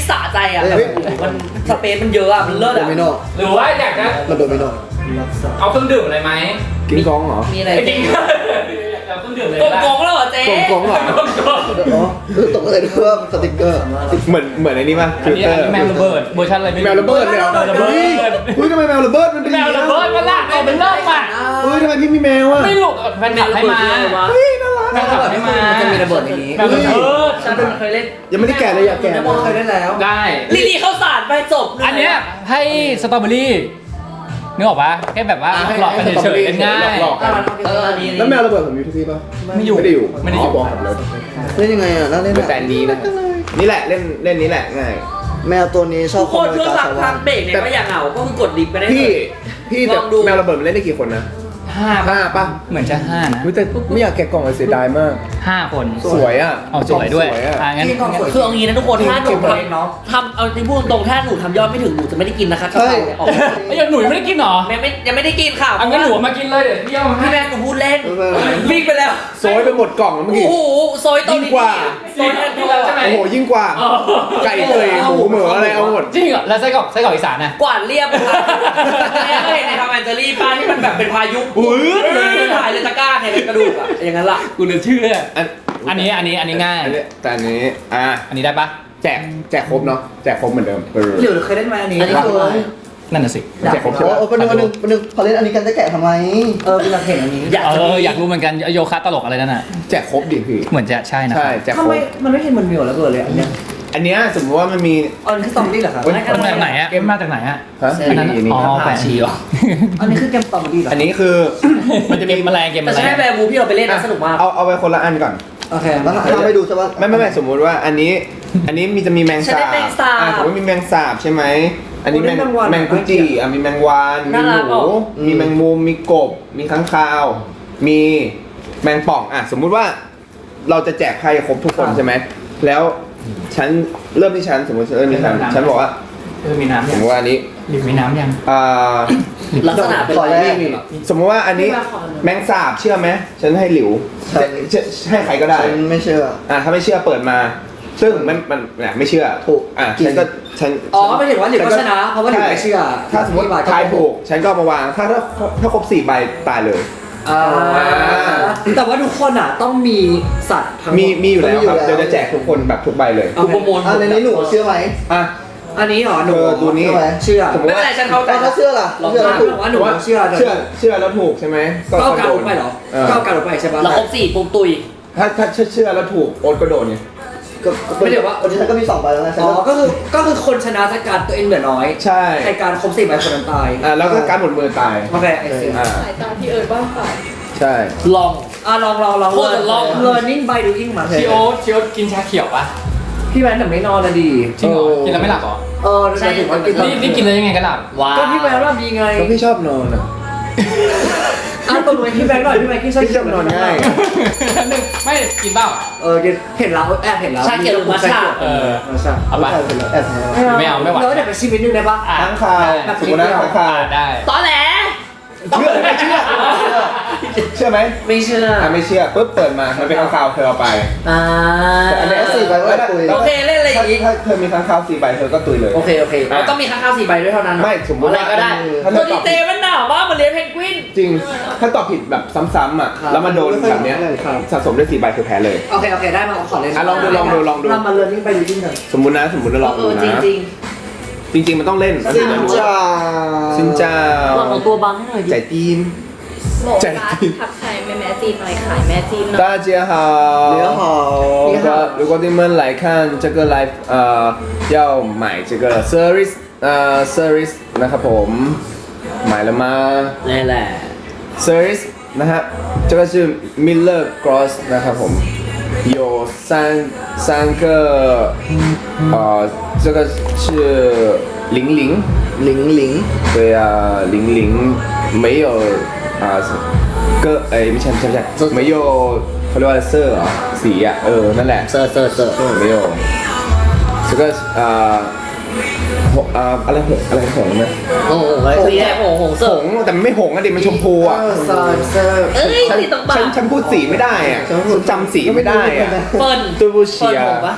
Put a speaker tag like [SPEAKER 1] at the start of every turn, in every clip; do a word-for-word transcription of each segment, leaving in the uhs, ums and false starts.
[SPEAKER 1] สะใจอ่ะแบบมันสเปซมันเยอะอ่ะมันเลิศอ่ะ
[SPEAKER 2] หรือว่าอยากจะ
[SPEAKER 3] มันโดมิโน
[SPEAKER 2] เอาเครื่องดื่มอะไรไหม
[SPEAKER 3] กิ้งกองเหรอ
[SPEAKER 1] มีอะไร
[SPEAKER 2] ไอ้จริงเอาเครื่องดื่มเลย
[SPEAKER 1] กงกงแล้วเหรอเจ๊
[SPEAKER 3] กองกองเหรออ๋อตกใจด้วยว่าสติ๊กเกอร์
[SPEAKER 4] เหมือนเหมือนไอ้นี่ป่ะ
[SPEAKER 2] อันนี้อันนี้แมวระเบิดเวอร์ชันอะไรไม่รู้
[SPEAKER 4] แมวระเบิดเลยเหรอ
[SPEAKER 2] แมวระเบิด
[SPEAKER 4] เฮ้ยทำไมแมวระเบิดมันเป็น
[SPEAKER 2] แมวระเบิดมันละเอาเป็นเลิกอ่ะ
[SPEAKER 4] เฮ้ยทำไมพี่มีแมวอ่ะ
[SPEAKER 2] ไม่หลุดแฟนคลับให้มา
[SPEAKER 4] เฮ้ยน่ารัก
[SPEAKER 2] แฟนคลับให้มา
[SPEAKER 1] มันจะมีระเบิดในนี้
[SPEAKER 2] แมวระเบิด
[SPEAKER 1] ฉันเคยเล่น
[SPEAKER 4] ยังไม่ได้แกะเลยอยากแกะ
[SPEAKER 1] เคยเล่นแล้ว
[SPEAKER 2] ได้
[SPEAKER 1] ลีลีเข้าสารไปจบ
[SPEAKER 2] อันเนี้ยให้สตรอเบอรี่นึกออกปะแค่แบบว่าหลอกกันเฉยๆง่าย
[SPEAKER 4] หลอกๆกัน
[SPEAKER 1] เออนี่
[SPEAKER 4] แล้วแมวระเบิดผมอยู่ที่พี่ป่ะ
[SPEAKER 2] ไม่อยู่
[SPEAKER 4] ไม่ได้อยู่
[SPEAKER 2] ไม่ได้อยู่
[SPEAKER 4] บอกผมเลย
[SPEAKER 3] เล่นยังไงอ่ะน่าเล่น
[SPEAKER 4] แต่อันนี้นะนี่แหละเล่นเล่นนี้แหละง่าย
[SPEAKER 3] แมวตัวนี้ชอบ
[SPEAKER 1] ทุกคนช่วงหลังพักเบรกเนี่ยก็อย่าเหงาก็คือกดลิฟต์ไปได้
[SPEAKER 4] พี่พี่แต่
[SPEAKER 1] ลองดู
[SPEAKER 4] แมวระเบิดมันเล่นได้กี่คนนะ
[SPEAKER 2] ห้า
[SPEAKER 4] ห้าป่ะ
[SPEAKER 2] เหมือนจะห้านะ
[SPEAKER 4] แต่ไม่อยากแกะกล่องเลยเสียดายมาก
[SPEAKER 2] ห้าคน
[SPEAKER 4] สวยอ่ะ
[SPEAKER 2] เอาสวยด้วย
[SPEAKER 4] สวยอ่ะ
[SPEAKER 2] อ่างั้น
[SPEAKER 1] คือเอางี้นะทุกคนถ้าหนู
[SPEAKER 4] เก็บไว้
[SPEAKER 1] ทำทำเอาที่พูดตรงๆถ้าหนูทำยอดไม่ถึงหนูจะไม่ได้กินนะคะกะเพราเนี่ยออก
[SPEAKER 2] ไอ้ยังหนุ่ยไม่ได้กินหรอ
[SPEAKER 1] ยังไม่ยังไม่ได้กินค่ะ
[SPEAKER 2] อันงั้นหนูมากินเลยเดี๋ยวพี่เอามาให้
[SPEAKER 1] พี่แม่หนูพูดเล่นวิ่งไปแล้ว
[SPEAKER 4] โซยไปหมดกล่องแล้วเมื่อ
[SPEAKER 1] โอ้
[SPEAKER 4] กี้
[SPEAKER 1] โหโซยตัว
[SPEAKER 4] ยิ่ง
[SPEAKER 1] นี้
[SPEAKER 4] กว่า
[SPEAKER 1] โซยอันเดียว
[SPEAKER 2] ใช่ไหม
[SPEAKER 4] โอ้โหยิ่งกว่า ไก่เตยหมูเหมืออะไรเอาหมด
[SPEAKER 2] จริงเหรอแล้วไส้กรอกไส้กรอกอีสานน่ะ
[SPEAKER 1] กวาดเรียบค่ะเนี่ยเคยเห็นในทำแอนเจอรี่ป้าที่มันแบบเป็นพายุปื๊ดเลยถ่ายเลยตะกร้าเนี่ยเป็นกระดูกอะอย่างนั้นล่ะ
[SPEAKER 2] กูเหลือเชื่อ
[SPEAKER 4] อัน
[SPEAKER 2] อันนี้อันนี้อันนี้ง่าย
[SPEAKER 4] อันนี้แต่อันนี้อ่ะ
[SPEAKER 2] อันนี้ได้ปะ
[SPEAKER 4] แจกแจกครบเนาะแจกครบเหมือนเดิมเออ
[SPEAKER 1] หรือเคยเล่นไหมอันนี้
[SPEAKER 3] อันนี้คือ
[SPEAKER 2] นั่นน่ะสิ
[SPEAKER 4] แจกครบใช่
[SPEAKER 3] โอ้
[SPEAKER 4] ปะ
[SPEAKER 3] โหเป็นหนึ่งเป็นหนึ่งเป็นหนึ่งพอเล่นอันนี้กันจะแกะทำไม
[SPEAKER 1] เออเป็นอยากเห็นอันนี้
[SPEAKER 2] เอออยากรู้เหมือนกันโยคะตลกอะไรนั่นน่ะ
[SPEAKER 4] แจกครบดิพี่
[SPEAKER 2] เหมือนจะใช่นะ
[SPEAKER 4] ใช่แจกค
[SPEAKER 1] ทำ
[SPEAKER 4] ร
[SPEAKER 1] ไม
[SPEAKER 4] บ
[SPEAKER 1] มันไม่เห็นมันมีหรอแล้วเกิดเลยอันเนี้ย
[SPEAKER 4] อันเนี้ยสมมติว่ามันมี
[SPEAKER 1] อันนี้คือซอมบี้เหรอครับ
[SPEAKER 4] เฮ้ย
[SPEAKER 2] มาจากไหนอะเกมมาจากไหนอะ
[SPEAKER 4] ฮะ
[SPEAKER 2] อันนั้น
[SPEAKER 4] นี่นี่
[SPEAKER 2] อ๋อ
[SPEAKER 4] นี่
[SPEAKER 2] แปะชีเหรอ
[SPEAKER 1] อันนี้คือเกมซอมบี้เหรอ
[SPEAKER 4] อันนี้คือ
[SPEAKER 2] มันจะมีแมลงเกมแม
[SPEAKER 1] แต่
[SPEAKER 2] ล
[SPEAKER 1] ใช่
[SPEAKER 2] ง
[SPEAKER 1] แวร์บูที่เราไปเล่นนะสนุกมาก
[SPEAKER 4] เอาเอาไปคนละอันก่อน
[SPEAKER 1] โอเค
[SPEAKER 3] แล้วทำให้ดูใช่ปะ
[SPEAKER 4] ไม่ไม่ไม่สมมุติว่าอันนี้ อันนี้มีจะมีแมง
[SPEAKER 1] ฉัน
[SPEAKER 4] สา
[SPEAKER 1] ได้
[SPEAKER 4] บ
[SPEAKER 1] แมงสาบ
[SPEAKER 4] อ่ะสมมติมีแมงสาบใช่ไหมอันนี้
[SPEAKER 1] โอ้
[SPEAKER 4] แมง
[SPEAKER 1] ได้แมงวัน
[SPEAKER 4] แมงกุจิอ่ะมีแมงวานมี
[SPEAKER 1] น่ารัก
[SPEAKER 4] หนู
[SPEAKER 1] อ่ะ
[SPEAKER 4] มีแมงมุมมีกบ มีค้างคาว มีแมงป่องอ่ะสมมุติว่าเราจะแจกไพ่ครบทุกคนใช่ไหมแล้วฉันเริ่มที่ฉันสมมติฉันเริ่มที่ฉันฉันบอกว่า
[SPEAKER 2] เออมีน้ำ
[SPEAKER 4] ส
[SPEAKER 2] ยั
[SPEAKER 4] ม
[SPEAKER 2] ง
[SPEAKER 4] มติว่าอันนี้
[SPEAKER 2] หรือมีน้ำยัง
[SPEAKER 4] อ่า
[SPEAKER 1] ลักษณะเป็น
[SPEAKER 3] ขอ
[SPEAKER 1] อะไร
[SPEAKER 3] แรก
[SPEAKER 4] นี่สมมติว่าอันนี้แมงสาบเชื่อไหมฉันให้หลิว
[SPEAKER 3] ใช่
[SPEAKER 4] จะจะให้ใครก็ได้
[SPEAKER 3] ฉันไม่เชื่อ
[SPEAKER 4] อ่ะถ้าไม่เชื่อเปิดมา ซึ่งมันมันเนี่ยไม่เชื่อ
[SPEAKER 3] ถูก
[SPEAKER 4] อ่ะ
[SPEAKER 3] จริง
[SPEAKER 4] ฉันก็ฉัน
[SPEAKER 1] อ๋อไม่เห็นว่าหลิวก็ชนะ เพราะว่าหลิวไม่เชื่อ
[SPEAKER 4] ถ้าสมมติทายถูกฉันก็เอามาวางถ้าถ้าถ้าครบสี่ใบตายเลย
[SPEAKER 1] อ่าแต่ว่าทุกคนอ่ะต้องมีสัตว์ทั้งหมด
[SPEAKER 4] มีมีอยู่แล้วครับ
[SPEAKER 3] มีอยู่แล้ว
[SPEAKER 4] เดี๋ยวจะแจกทุกคนแบบทุกใบเลย
[SPEAKER 1] เอาโปรโมท
[SPEAKER 3] อันนี้หนูเชื่อไหม
[SPEAKER 4] อ่ะ
[SPEAKER 1] อันนี้เหรอหนู
[SPEAKER 4] เออดูนี่
[SPEAKER 3] เชื่อไหม
[SPEAKER 1] เชื่อ
[SPEAKER 4] สมมุติ
[SPEAKER 1] ไม่
[SPEAKER 4] ว่า
[SPEAKER 1] เป็นไรฉันเขา
[SPEAKER 3] เอาถ้าเชื่อล่ะ
[SPEAKER 1] ลอง
[SPEAKER 3] เชื่อ
[SPEAKER 1] มา
[SPEAKER 3] แล้วถูก
[SPEAKER 1] ว่าหนูเชื่อ
[SPEAKER 4] เชื่อเชื่อแล้วถูกใช่ไหม
[SPEAKER 1] ก็เอาการลงไปเหรอ
[SPEAKER 4] เออ
[SPEAKER 1] ก็เอาการลงไปใช่ปะ
[SPEAKER 5] แล้วครบสี่ปุ๊บตุย
[SPEAKER 4] ถ้าถ้าเชื่อแล้วถูกโอ๊ตก็โดนไง
[SPEAKER 3] ก็ไม่เดี๋ยวว่าวันนี้ฉันก็มีสองใบแล้วไงฉัน
[SPEAKER 1] อ๋อ
[SPEAKER 3] ก็
[SPEAKER 1] ก็คือก็คือคนชนะจากการตัวเองเหลือน้อย
[SPEAKER 4] ใช่
[SPEAKER 1] ในการครบสี่ใบคนนั้นตาย
[SPEAKER 4] อ่ะแล้วก็การหมดมือตาย
[SPEAKER 1] โอเคไอซี
[SPEAKER 4] อ่า
[SPEAKER 5] สายตาพี่เอิร์ดบ้างเปล่า
[SPEAKER 4] ใช่
[SPEAKER 5] ลอง
[SPEAKER 1] อ่ะลองลองลอง
[SPEAKER 5] โคตรลอง
[SPEAKER 1] learning by doing มา
[SPEAKER 2] ชิโอชิโอกินชาเขียวปะ
[SPEAKER 1] พี่แมนแต่ไม่นอนนะดี
[SPEAKER 2] จริงเหรอกินแล้วไม่หลับเหรอ
[SPEAKER 1] เออใช่ถึงว่ากิน
[SPEAKER 2] นี่นี่กินแล้วยังไงก็หลับ
[SPEAKER 5] ว้า
[SPEAKER 1] ก็พี่แมนว่ามีไง
[SPEAKER 4] ก็พี่ชอบนอนอ่ะ
[SPEAKER 1] อ่ะตบมือให้พี่แมนหน่อยพี่แมนกินชา
[SPEAKER 4] พี่ชอบนอนง่าย
[SPEAKER 2] ไม่กินเปล่า
[SPEAKER 1] เออเห็นแล้วแอบเห็นแล้ว
[SPEAKER 5] ชาเขียวหรือมัทฉะ
[SPEAKER 2] เออ
[SPEAKER 1] มัทฉะ
[SPEAKER 2] เอาปะ
[SPEAKER 3] แอบแอบ
[SPEAKER 2] ไม่เอาไม่ไหว
[SPEAKER 1] แล้วเดี๋ยวไปชิมนิดนึงได้ปะ
[SPEAKER 2] อ่ะ
[SPEAKER 4] ค้างคาวสมมตินะค้างคาว
[SPEAKER 2] ได้
[SPEAKER 5] ตอแหล
[SPEAKER 4] เชื่อหรือไม่เชื่อเชื่อไหม
[SPEAKER 1] ไม่เชื่อ
[SPEAKER 4] อ่ะไม่เชื่อปุ๊บเปิดมามันเป็นค้างคาวเธอเอาไป
[SPEAKER 1] อ่า
[SPEAKER 4] แต่อันนี้
[SPEAKER 3] สี่ใบไว้คุย
[SPEAKER 1] โอเคเล่นอะไร
[SPEAKER 4] ถ้า
[SPEAKER 1] อีก
[SPEAKER 4] ถ้าเธอมีค้างคาวสี่ใบเธอก็ตุยเลย
[SPEAKER 1] โอเคโอเค
[SPEAKER 4] อ่ะ
[SPEAKER 1] ต้องมีข้างๆสี่ใบด้วยเท่านั้น
[SPEAKER 4] ไม่สมมติ
[SPEAKER 5] อะไร
[SPEAKER 4] ว่า
[SPEAKER 5] ก็ได้
[SPEAKER 4] ถ้าเธ
[SPEAKER 1] ตัว
[SPEAKER 4] อต
[SPEAKER 1] ดี
[SPEAKER 4] อบ
[SPEAKER 1] เจมันหนาวมากมันเลี้ยงเพนกวิน
[SPEAKER 4] จริง ถ้าตอบผิดแบบซ้ำๆอ่ะ
[SPEAKER 1] ครับ
[SPEAKER 4] แล้วมาโดนแบบเนี้ย
[SPEAKER 1] ครับ
[SPEAKER 4] สะสมได้สี่ใบคือแพ้เลย
[SPEAKER 1] โอเคโอเคได้มาขอเล่น
[SPEAKER 4] อ่ะลองดูลองดูลองดู
[SPEAKER 1] เรามา learning by doing กัน
[SPEAKER 4] สมมุตินะสมมุติเราลอง
[SPEAKER 5] เอ
[SPEAKER 4] ดู
[SPEAKER 5] อ
[SPEAKER 4] นะ
[SPEAKER 5] จริงจริง
[SPEAKER 4] จริง ๆ มันต้องเล่น
[SPEAKER 3] ซินจ้า
[SPEAKER 4] ซินเจ้า
[SPEAKER 5] ลองเอาตัวบังให้หน่อยดิ
[SPEAKER 4] ใจจีน
[SPEAKER 6] โหลดร้านทักทายแม่แม่จีนหน่อยขายแม่จีนหน่อย
[SPEAKER 4] 大家好
[SPEAKER 3] 你好
[SPEAKER 4] 如果如果你们来看这个 live 呃要买这个 service 呃 service นะครับผม买了吗
[SPEAKER 5] นี่แหละ
[SPEAKER 4] service นะฮะ这个是 Miller Gross นะครับผม有三三个呃这个是零零
[SPEAKER 3] ลิงลิง
[SPEAKER 4] 对啊零零没有啊个哎ไม่ใช่ไม่ใช่ไม่ใช่没有เขาเรียกว่าเสื้อเหรอสีอ่ะเออนั่นแหละ
[SPEAKER 5] เซอร์เซอร์เซอร์
[SPEAKER 4] 没有这个อ่าหงอ่าอะไรหงอะไรหงนะ
[SPEAKER 5] โอ้โหสีแดงโอ้โหเซ
[SPEAKER 4] ห
[SPEAKER 5] อร์
[SPEAKER 4] งแต่มันไม่หงอ่ะดิมันชมพูอ่ะ
[SPEAKER 3] ซาเซอร์
[SPEAKER 5] เอ้ย
[SPEAKER 4] ฉัน
[SPEAKER 5] สีตรงปา
[SPEAKER 4] ฉัน
[SPEAKER 5] ก
[SPEAKER 4] ฉันพูดสีไม่ได้อ่ะฉันจำสีไม่ได้อ่ะ
[SPEAKER 5] เฟิร์น
[SPEAKER 4] ตัวบู
[SPEAKER 5] เฟิ
[SPEAKER 4] เชี
[SPEAKER 5] ร์น
[SPEAKER 4] ย
[SPEAKER 5] ผมปะ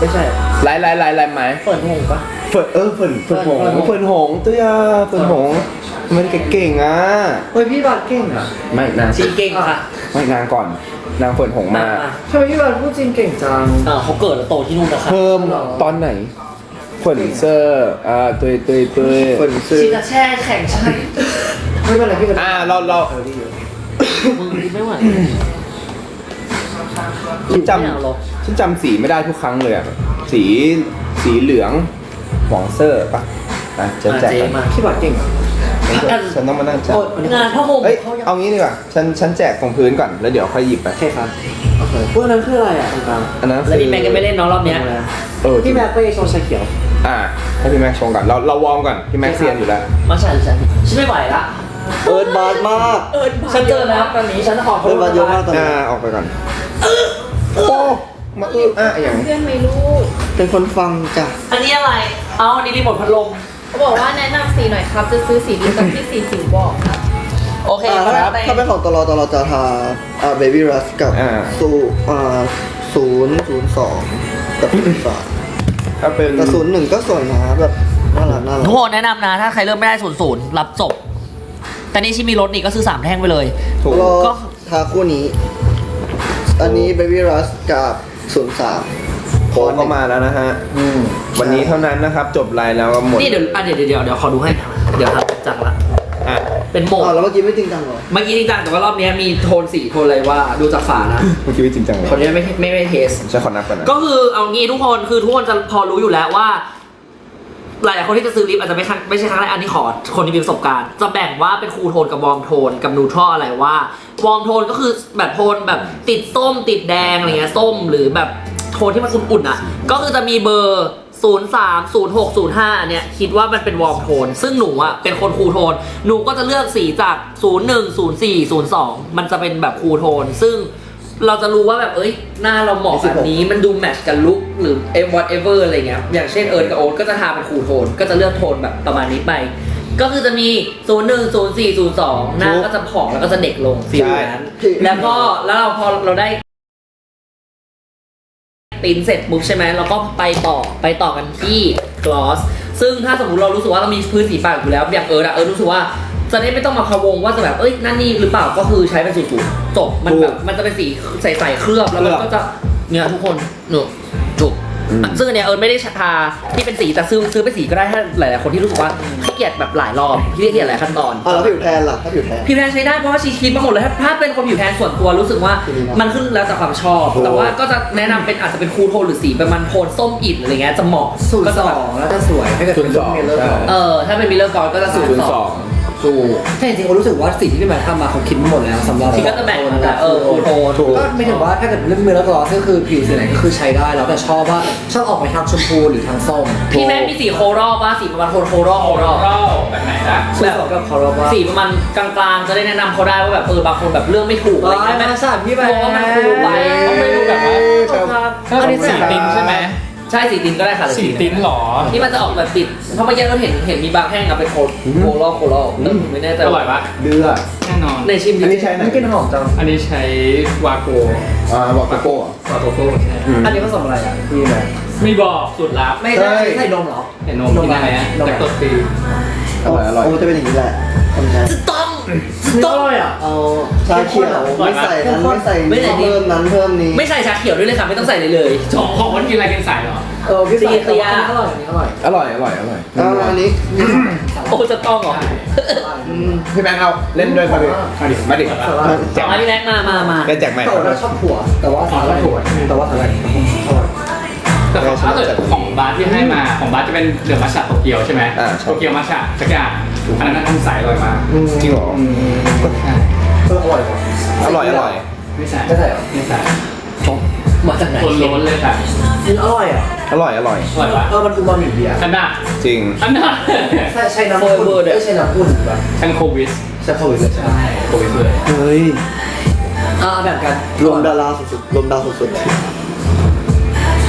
[SPEAKER 5] ไม่ใช่
[SPEAKER 4] ไลน์ไลน์ไลน์ไลน์ไหม
[SPEAKER 5] เปิดหงปะ
[SPEAKER 4] เฟิร์นเออเฟิร์นเฟิร์นหง
[SPEAKER 5] เฟิร์นหง
[SPEAKER 4] เฟิร์นหงตัวยาเฟิร์นหงมันเก่งๆอ่ะ
[SPEAKER 5] เฮ้ยพี่บาทเก่งอ่ะ
[SPEAKER 4] ไม่นาง
[SPEAKER 1] ชีเก่งค่ะ
[SPEAKER 4] ไม่นางก่อนนางเฟิร์นหงมา
[SPEAKER 5] ทำไมพี่บาทพูดจีนเก่งจังอ่าเขาเกิดแล้วโตที่นู่นนะครับ
[SPEAKER 4] เพิ่มตอนไหนเฟิร์นเซอร์อ่าตุยตุยตุย
[SPEAKER 3] เฟิร์นซื้อ
[SPEAKER 1] ชีจะแช่แข่งใช่
[SPEAKER 5] ไม่เป็นไรพี่ก็
[SPEAKER 4] อ่าเราเรา
[SPEAKER 5] มึงไม่ไหว
[SPEAKER 4] ฉันจ
[SPEAKER 5] ไม่เอาหรอก
[SPEAKER 4] ำฉันจำสีไม่ได้ทุกครั้งเลยอ่ะสีสีเหลืองหวองเซอร์ปะอ่ะจะแจก
[SPEAKER 5] เจ๊
[SPEAKER 4] กัน
[SPEAKER 5] มาพี่บาทเก่งอ่ะ
[SPEAKER 4] ฉันต้องมานั่งจับ
[SPEAKER 5] งานพ่อห่ม
[SPEAKER 4] เอ้ยเอางี้ดีกว่าฉันฉันแจกตรงพื้นก่อนแล้วเดี๋ยวค่อยหยิบไป
[SPEAKER 5] โอเคครับโอเคพวกนั้นคืออะไรอ่ะตรงกลาง
[SPEAKER 4] อันนั้น
[SPEAKER 1] แล้ว
[SPEAKER 4] คือ
[SPEAKER 1] พี่แม็กก็ไม่เล่นน้องรอบเนี้ย
[SPEAKER 4] เออ
[SPEAKER 5] พี่แม็กไปโชว์ชาเขียว
[SPEAKER 4] อ่าให้พี่แม็กชงก่อนเราเราวอร์มก่อนพี่แม็กเซียนอยู่แล้ว
[SPEAKER 1] มาฉันฉันฉันไม่ไหวละ
[SPEAKER 3] เอิร์ดบาร์มาก
[SPEAKER 1] เออฉันเจอแล้วตอนนี้ฉันขอโท
[SPEAKER 3] เอิร์
[SPEAKER 1] ษ
[SPEAKER 3] ดบาร์เยอะมากตอน
[SPEAKER 4] อ่า
[SPEAKER 3] นี้
[SPEAKER 4] ออกไปก่อนโอ้มาอื้ออ่ะอย่าง
[SPEAKER 6] เพื่อนไหมลูก
[SPEAKER 3] เป็นคนฟังจ้ะ
[SPEAKER 1] อันนี้อะไร เอาอันนี้รีโมทพัดลม
[SPEAKER 6] เขาบอกว่าแนะนำสีหน่อยครับ จะซื้อสีดีกับที่สีจิ๋วบอกครับ
[SPEAKER 1] โอเค
[SPEAKER 3] อ่า
[SPEAKER 1] ค
[SPEAKER 3] ถ้า
[SPEAKER 1] รับ
[SPEAKER 3] ถ้าเป็นของตลอตลอจะทาอ่าเบบี้รัสกับ
[SPEAKER 4] อ่า
[SPEAKER 3] สูอ่าศูนย์ศูนย์สองกับศูนย์สาม
[SPEAKER 4] ถ้าเป็น
[SPEAKER 3] แต่ศูนย์หนึ่งก็สวยนะแบบน่ารักน่ารั
[SPEAKER 1] ทุ
[SPEAKER 3] ก
[SPEAKER 1] กคนแนะนำนะ ถ้าใครเริ่มไม่ได้ศูนย์ศูนย์รับจบ แต่นี่ชิมีรถนี่ก็ซื้อสามแท่งไปเลย
[SPEAKER 4] ถูก
[SPEAKER 3] รอ
[SPEAKER 1] ก็
[SPEAKER 3] ทาคู่นี้ อันนี้เบบี้รัสกับศูนย์สาม
[SPEAKER 4] โค้ดเข้ามาแล้วนะฮะวันนี้เท่านั้นนะครับ จบไลน์แล้วก็หมด
[SPEAKER 1] นี่เดี๋ยวอ่ะเดี๋ยวเดี๋ยวเดี๋ยวเดี๋ยวขอดูให้ เดี๋ยวครับจังละ
[SPEAKER 4] อ่ะ
[SPEAKER 1] เป็นโหมด
[SPEAKER 3] อ๋อแล้วเมื่อกี้ไม่จริงจังเหรอ
[SPEAKER 1] เมื่อกี้จริงจังแต่ว่ารอบนี้มีโทนสีโทนอะไรว่าดูจากฝานะ
[SPEAKER 4] เมื่อกี้ไม่จริงจังเลย
[SPEAKER 1] คนนี้ไม่ไม่ไม่เทส
[SPEAKER 4] ฉันขอนับก่อนนะ
[SPEAKER 1] ก็คือเอางี้ทุกคนคือทุกคนจะพอรู้อยู่แล้วว่า หลายๆคนที่จะซื้อลิปอาจจะไม่ครั้งไม่ใช่ครั้งแรกอันนี้ขอคนที่มีประสบการณ์ จะแบ่งว่าเป็นคูลโทนกับวอร์มโทนกับนูทรัลอะไรว่าวอร์มโทนก็คือแบบโทนแบบติดส้มติดแดงอะไรเงี้ยส้มหรือแบบโทนที่มันอุ่นๆอ่ะก็คือจะมีเบอร์ศูนย์ สาม ศูนย์ หก ศูนย์ ห้าอันเนี้ยคิดว่ามันเป็นวอร์มโทนซึ่งหนูอ่ะเป็นคนคูลโทนหนูก็จะเลือกสีจากศูนย์ หนึ่ง ศูนย์ สี่ ศูนย์ สองมันจะเป็นแบบคูลโทนซึ่งเราจะรู้ว่าแบบเอ้ยหน้าเราเหมาะแบบนี้มันดูแมทช์กับลุคหรือ whatever อะไรเงี้ยอย่างเช่นเอิร์ธกับโอ๊ตก็จะทาเป็นคูลโทนก็จะเลือกโทนแบบประมาณนี้ไป ก็คือจะมี ศูนย์ หนึ่ง ศูนย์ สี่ ศูนย์ สอง หน้าก็จะผ่องแล้วก็จะเด็กลงฟีลนั้นแล้วก็แล้วเราพอเราได้ติ้นเสร็จปุ๊บใช่ไหมเราก็ไปต่อไปต่อกันที่กลอสซึ่งถ้าสมมติเรารู้สึกว่าเรามีพื้นสีปากอยู่แล้วอย่างเอิร์ธอะเอิร์ธรู้สึกว่าจะได้ไม่ต้องมาพะวงว่าจะแบบเอ้ยนั่นนี่หรือเปล่าก็คือใช้เป็นสูตรจบมันแบบมันจะเป็นสีใสๆเคลือบแล้วมันก็จะเนี่ยทุกคนหนูจบซึ่งอันเนี้ยเอิร์ธไม่ได้ทาที่เป็นสีแต่ซื้อซื้อเป็นสีก็ได้ถ้าหลายๆคนที่รู้สึกว่าขี้เกียจแบบหลายรอบขี้เกียจหลายขั้นตอน
[SPEAKER 3] อ่าแล้วผิวแทนล่ะถ้าผิวแทน
[SPEAKER 1] ผิวแทนใช้ได้เพราะว่าชีคิดมาหมดเลยถ้าถ้าเป็นคนผิวแทนส่วนตัวรู้สึกว่ามันขึ้นแล้วแต่ความชอบ แต่ว่าก็จะแนะนำเป็นอาจจะเป็นคูลโทนหรือสีประมาณโทนส้มอิฐอะไรเงี้ยจะเหมาะ
[SPEAKER 5] ศูน
[SPEAKER 1] ก็
[SPEAKER 5] ย์ส
[SPEAKER 1] จะ
[SPEAKER 5] อ
[SPEAKER 1] แบบ
[SPEAKER 5] งแล้วจะสวยถ้าเกิดเป็น
[SPEAKER 4] ศูนย์สอง
[SPEAKER 5] เมลเลอร์
[SPEAKER 4] ใช่
[SPEAKER 1] เออถ้าเป็นมิลเลอร์กอร์ก็จะศูน
[SPEAKER 4] ศูน
[SPEAKER 1] ย์
[SPEAKER 4] ย์
[SPEAKER 1] ส
[SPEAKER 4] ส
[SPEAKER 1] อ
[SPEAKER 4] อง ง
[SPEAKER 5] ถูกแต่จริงๆผมรู้สึกว่าสิ่งที่พี่แมททำมาเขาคิดมาหมดแล้วสำหรับ
[SPEAKER 1] ที่ก็จะแบ่งมาแต่เออคูลโทน
[SPEAKER 4] ถูก
[SPEAKER 5] ก็ไม่ถึงว่าถ้าเกิดเรื่องเมลเลอร์กลอสก็คือผิวสีไหนก็คือใช้ได้แล้วแต่ชอบว่าชอบออกไปทางชมพูหรือทางส้ม
[SPEAKER 1] พี่แม่มีสีโครอลป่ะสีประมาณโทนโครอลโครอล
[SPEAKER 2] แบบไหนนะ
[SPEAKER 5] ส่วนสองกับคอร์ว่า
[SPEAKER 1] สีประมาณกลางๆจะได้แนะนำเขาได้ว่าแบบเออบางคนแบบเรื่องไม่ถูกอะไร
[SPEAKER 5] ร้าย
[SPEAKER 1] เงี้ย
[SPEAKER 5] มา
[SPEAKER 1] แม่
[SPEAKER 5] สานพี่แบ
[SPEAKER 1] มองว่ามันคูลไป
[SPEAKER 2] ต้องไปดูแบบว่า ถ้า
[SPEAKER 1] อัน
[SPEAKER 2] เป็
[SPEAKER 1] นี้
[SPEAKER 2] นสีติ้นใช่ไหม
[SPEAKER 1] ใช่สีตินก็ได้ค่ะ
[SPEAKER 2] สีติ้นหรอ
[SPEAKER 1] ที่มันจะออกแบบติดเพราะเมื่อกี้เราเห็นเห็นมีบางแท่งอะเป็นโคโครอลโครอลไม่แน่ใจ
[SPEAKER 2] อร่อยปะ
[SPEAKER 4] เดือด
[SPEAKER 2] แน่นอน
[SPEAKER 1] ในชิมดิ
[SPEAKER 4] อันนี้ใช้ไหน
[SPEAKER 5] ไม่กินหอมจัง
[SPEAKER 2] อันนี้ใช้วาโก
[SPEAKER 4] อ่าบอกโกโก้เหรอ
[SPEAKER 2] วาโกโก้ใช่
[SPEAKER 4] อืม
[SPEAKER 5] อันนี้ผสมอะไรอ่ะพี่แมท
[SPEAKER 2] ไม่บอกสูตรลับ
[SPEAKER 5] ไม่ได้ใส่นมเหรอ
[SPEAKER 2] เห็นนมกินได้ไหมจากตัวตี
[SPEAKER 4] อร่อยอร่อย
[SPEAKER 3] โอ้จะเป็นอย่างนี้แหละทำไง
[SPEAKER 1] ต้อง
[SPEAKER 5] ต้องเลยอ่ะ
[SPEAKER 3] เอาชาเขียวไม่ใส่นั้นไม่ใส่
[SPEAKER 1] ไม่ใส่นี่
[SPEAKER 3] เพิ่มนั้นเพิ่มนี้
[SPEAKER 1] ไม่ใส่ชาเขียวด้วยเลยค่ะไม่ต้องใส่เลยเลย
[SPEAKER 2] ของของมันกินอะไรกินใส่เหรอ
[SPEAKER 5] เออพี่ใส่
[SPEAKER 1] ตีเตีย
[SPEAKER 5] อร่อยอันนี้อร่อย
[SPEAKER 4] อร่อยอร่อยอร่อย
[SPEAKER 3] เอาอันนี้
[SPEAKER 1] โอ้จะต้องเหรอ
[SPEAKER 3] อืม
[SPEAKER 4] พี่แบงค์เอาเล่นด้วยมาดิมาดิมาดิ
[SPEAKER 1] แจกมาพี่แม็กมามามา
[SPEAKER 4] ได้แจกไหม
[SPEAKER 5] แต่ว่าเราชอบถั่วแต่ว่าสาหร่ายถั่วแต่ว่าสาหร่ายอร่อย
[SPEAKER 2] แต่ของถ้าเกิดของบาร์ที่ให้มาของบาร์จะเป็นเดือดมัชฉะโตเกียวใช่ไหม
[SPEAKER 4] อ่าใช่
[SPEAKER 2] โตเกียวมัชฉะสักอย่างอันนั้นทำใสอร่อยมาก
[SPEAKER 4] จริงเหรอ
[SPEAKER 2] ใช่
[SPEAKER 5] เอออร่อยกว่า
[SPEAKER 4] อร่อยอร่อย
[SPEAKER 2] ไม่ใส่
[SPEAKER 5] ไม่ใส่เหรอ
[SPEAKER 2] ไม่ใส่
[SPEAKER 1] มาจากไหน
[SPEAKER 2] คนล้นเลยค่ะ
[SPEAKER 5] มันอร่อยอ่ะ
[SPEAKER 4] อร่อยอร่อย
[SPEAKER 2] อร่อยปะ
[SPEAKER 5] เออมันอูมามิดีอ่ะ
[SPEAKER 2] อันน่ะ
[SPEAKER 4] จริง
[SPEAKER 2] อันน่ะ
[SPEAKER 5] ใช่ใช่น้ำข้นไม่ใช่น้ำข้นแบบ
[SPEAKER 2] ชังโควิส
[SPEAKER 5] ใช่โควิดเลย
[SPEAKER 2] ใช่โควิสเลย
[SPEAKER 3] เฮ้ย
[SPEAKER 5] อ่าแบ่งกัน
[SPEAKER 3] รวมดาราสุดๆรวมดาวสุด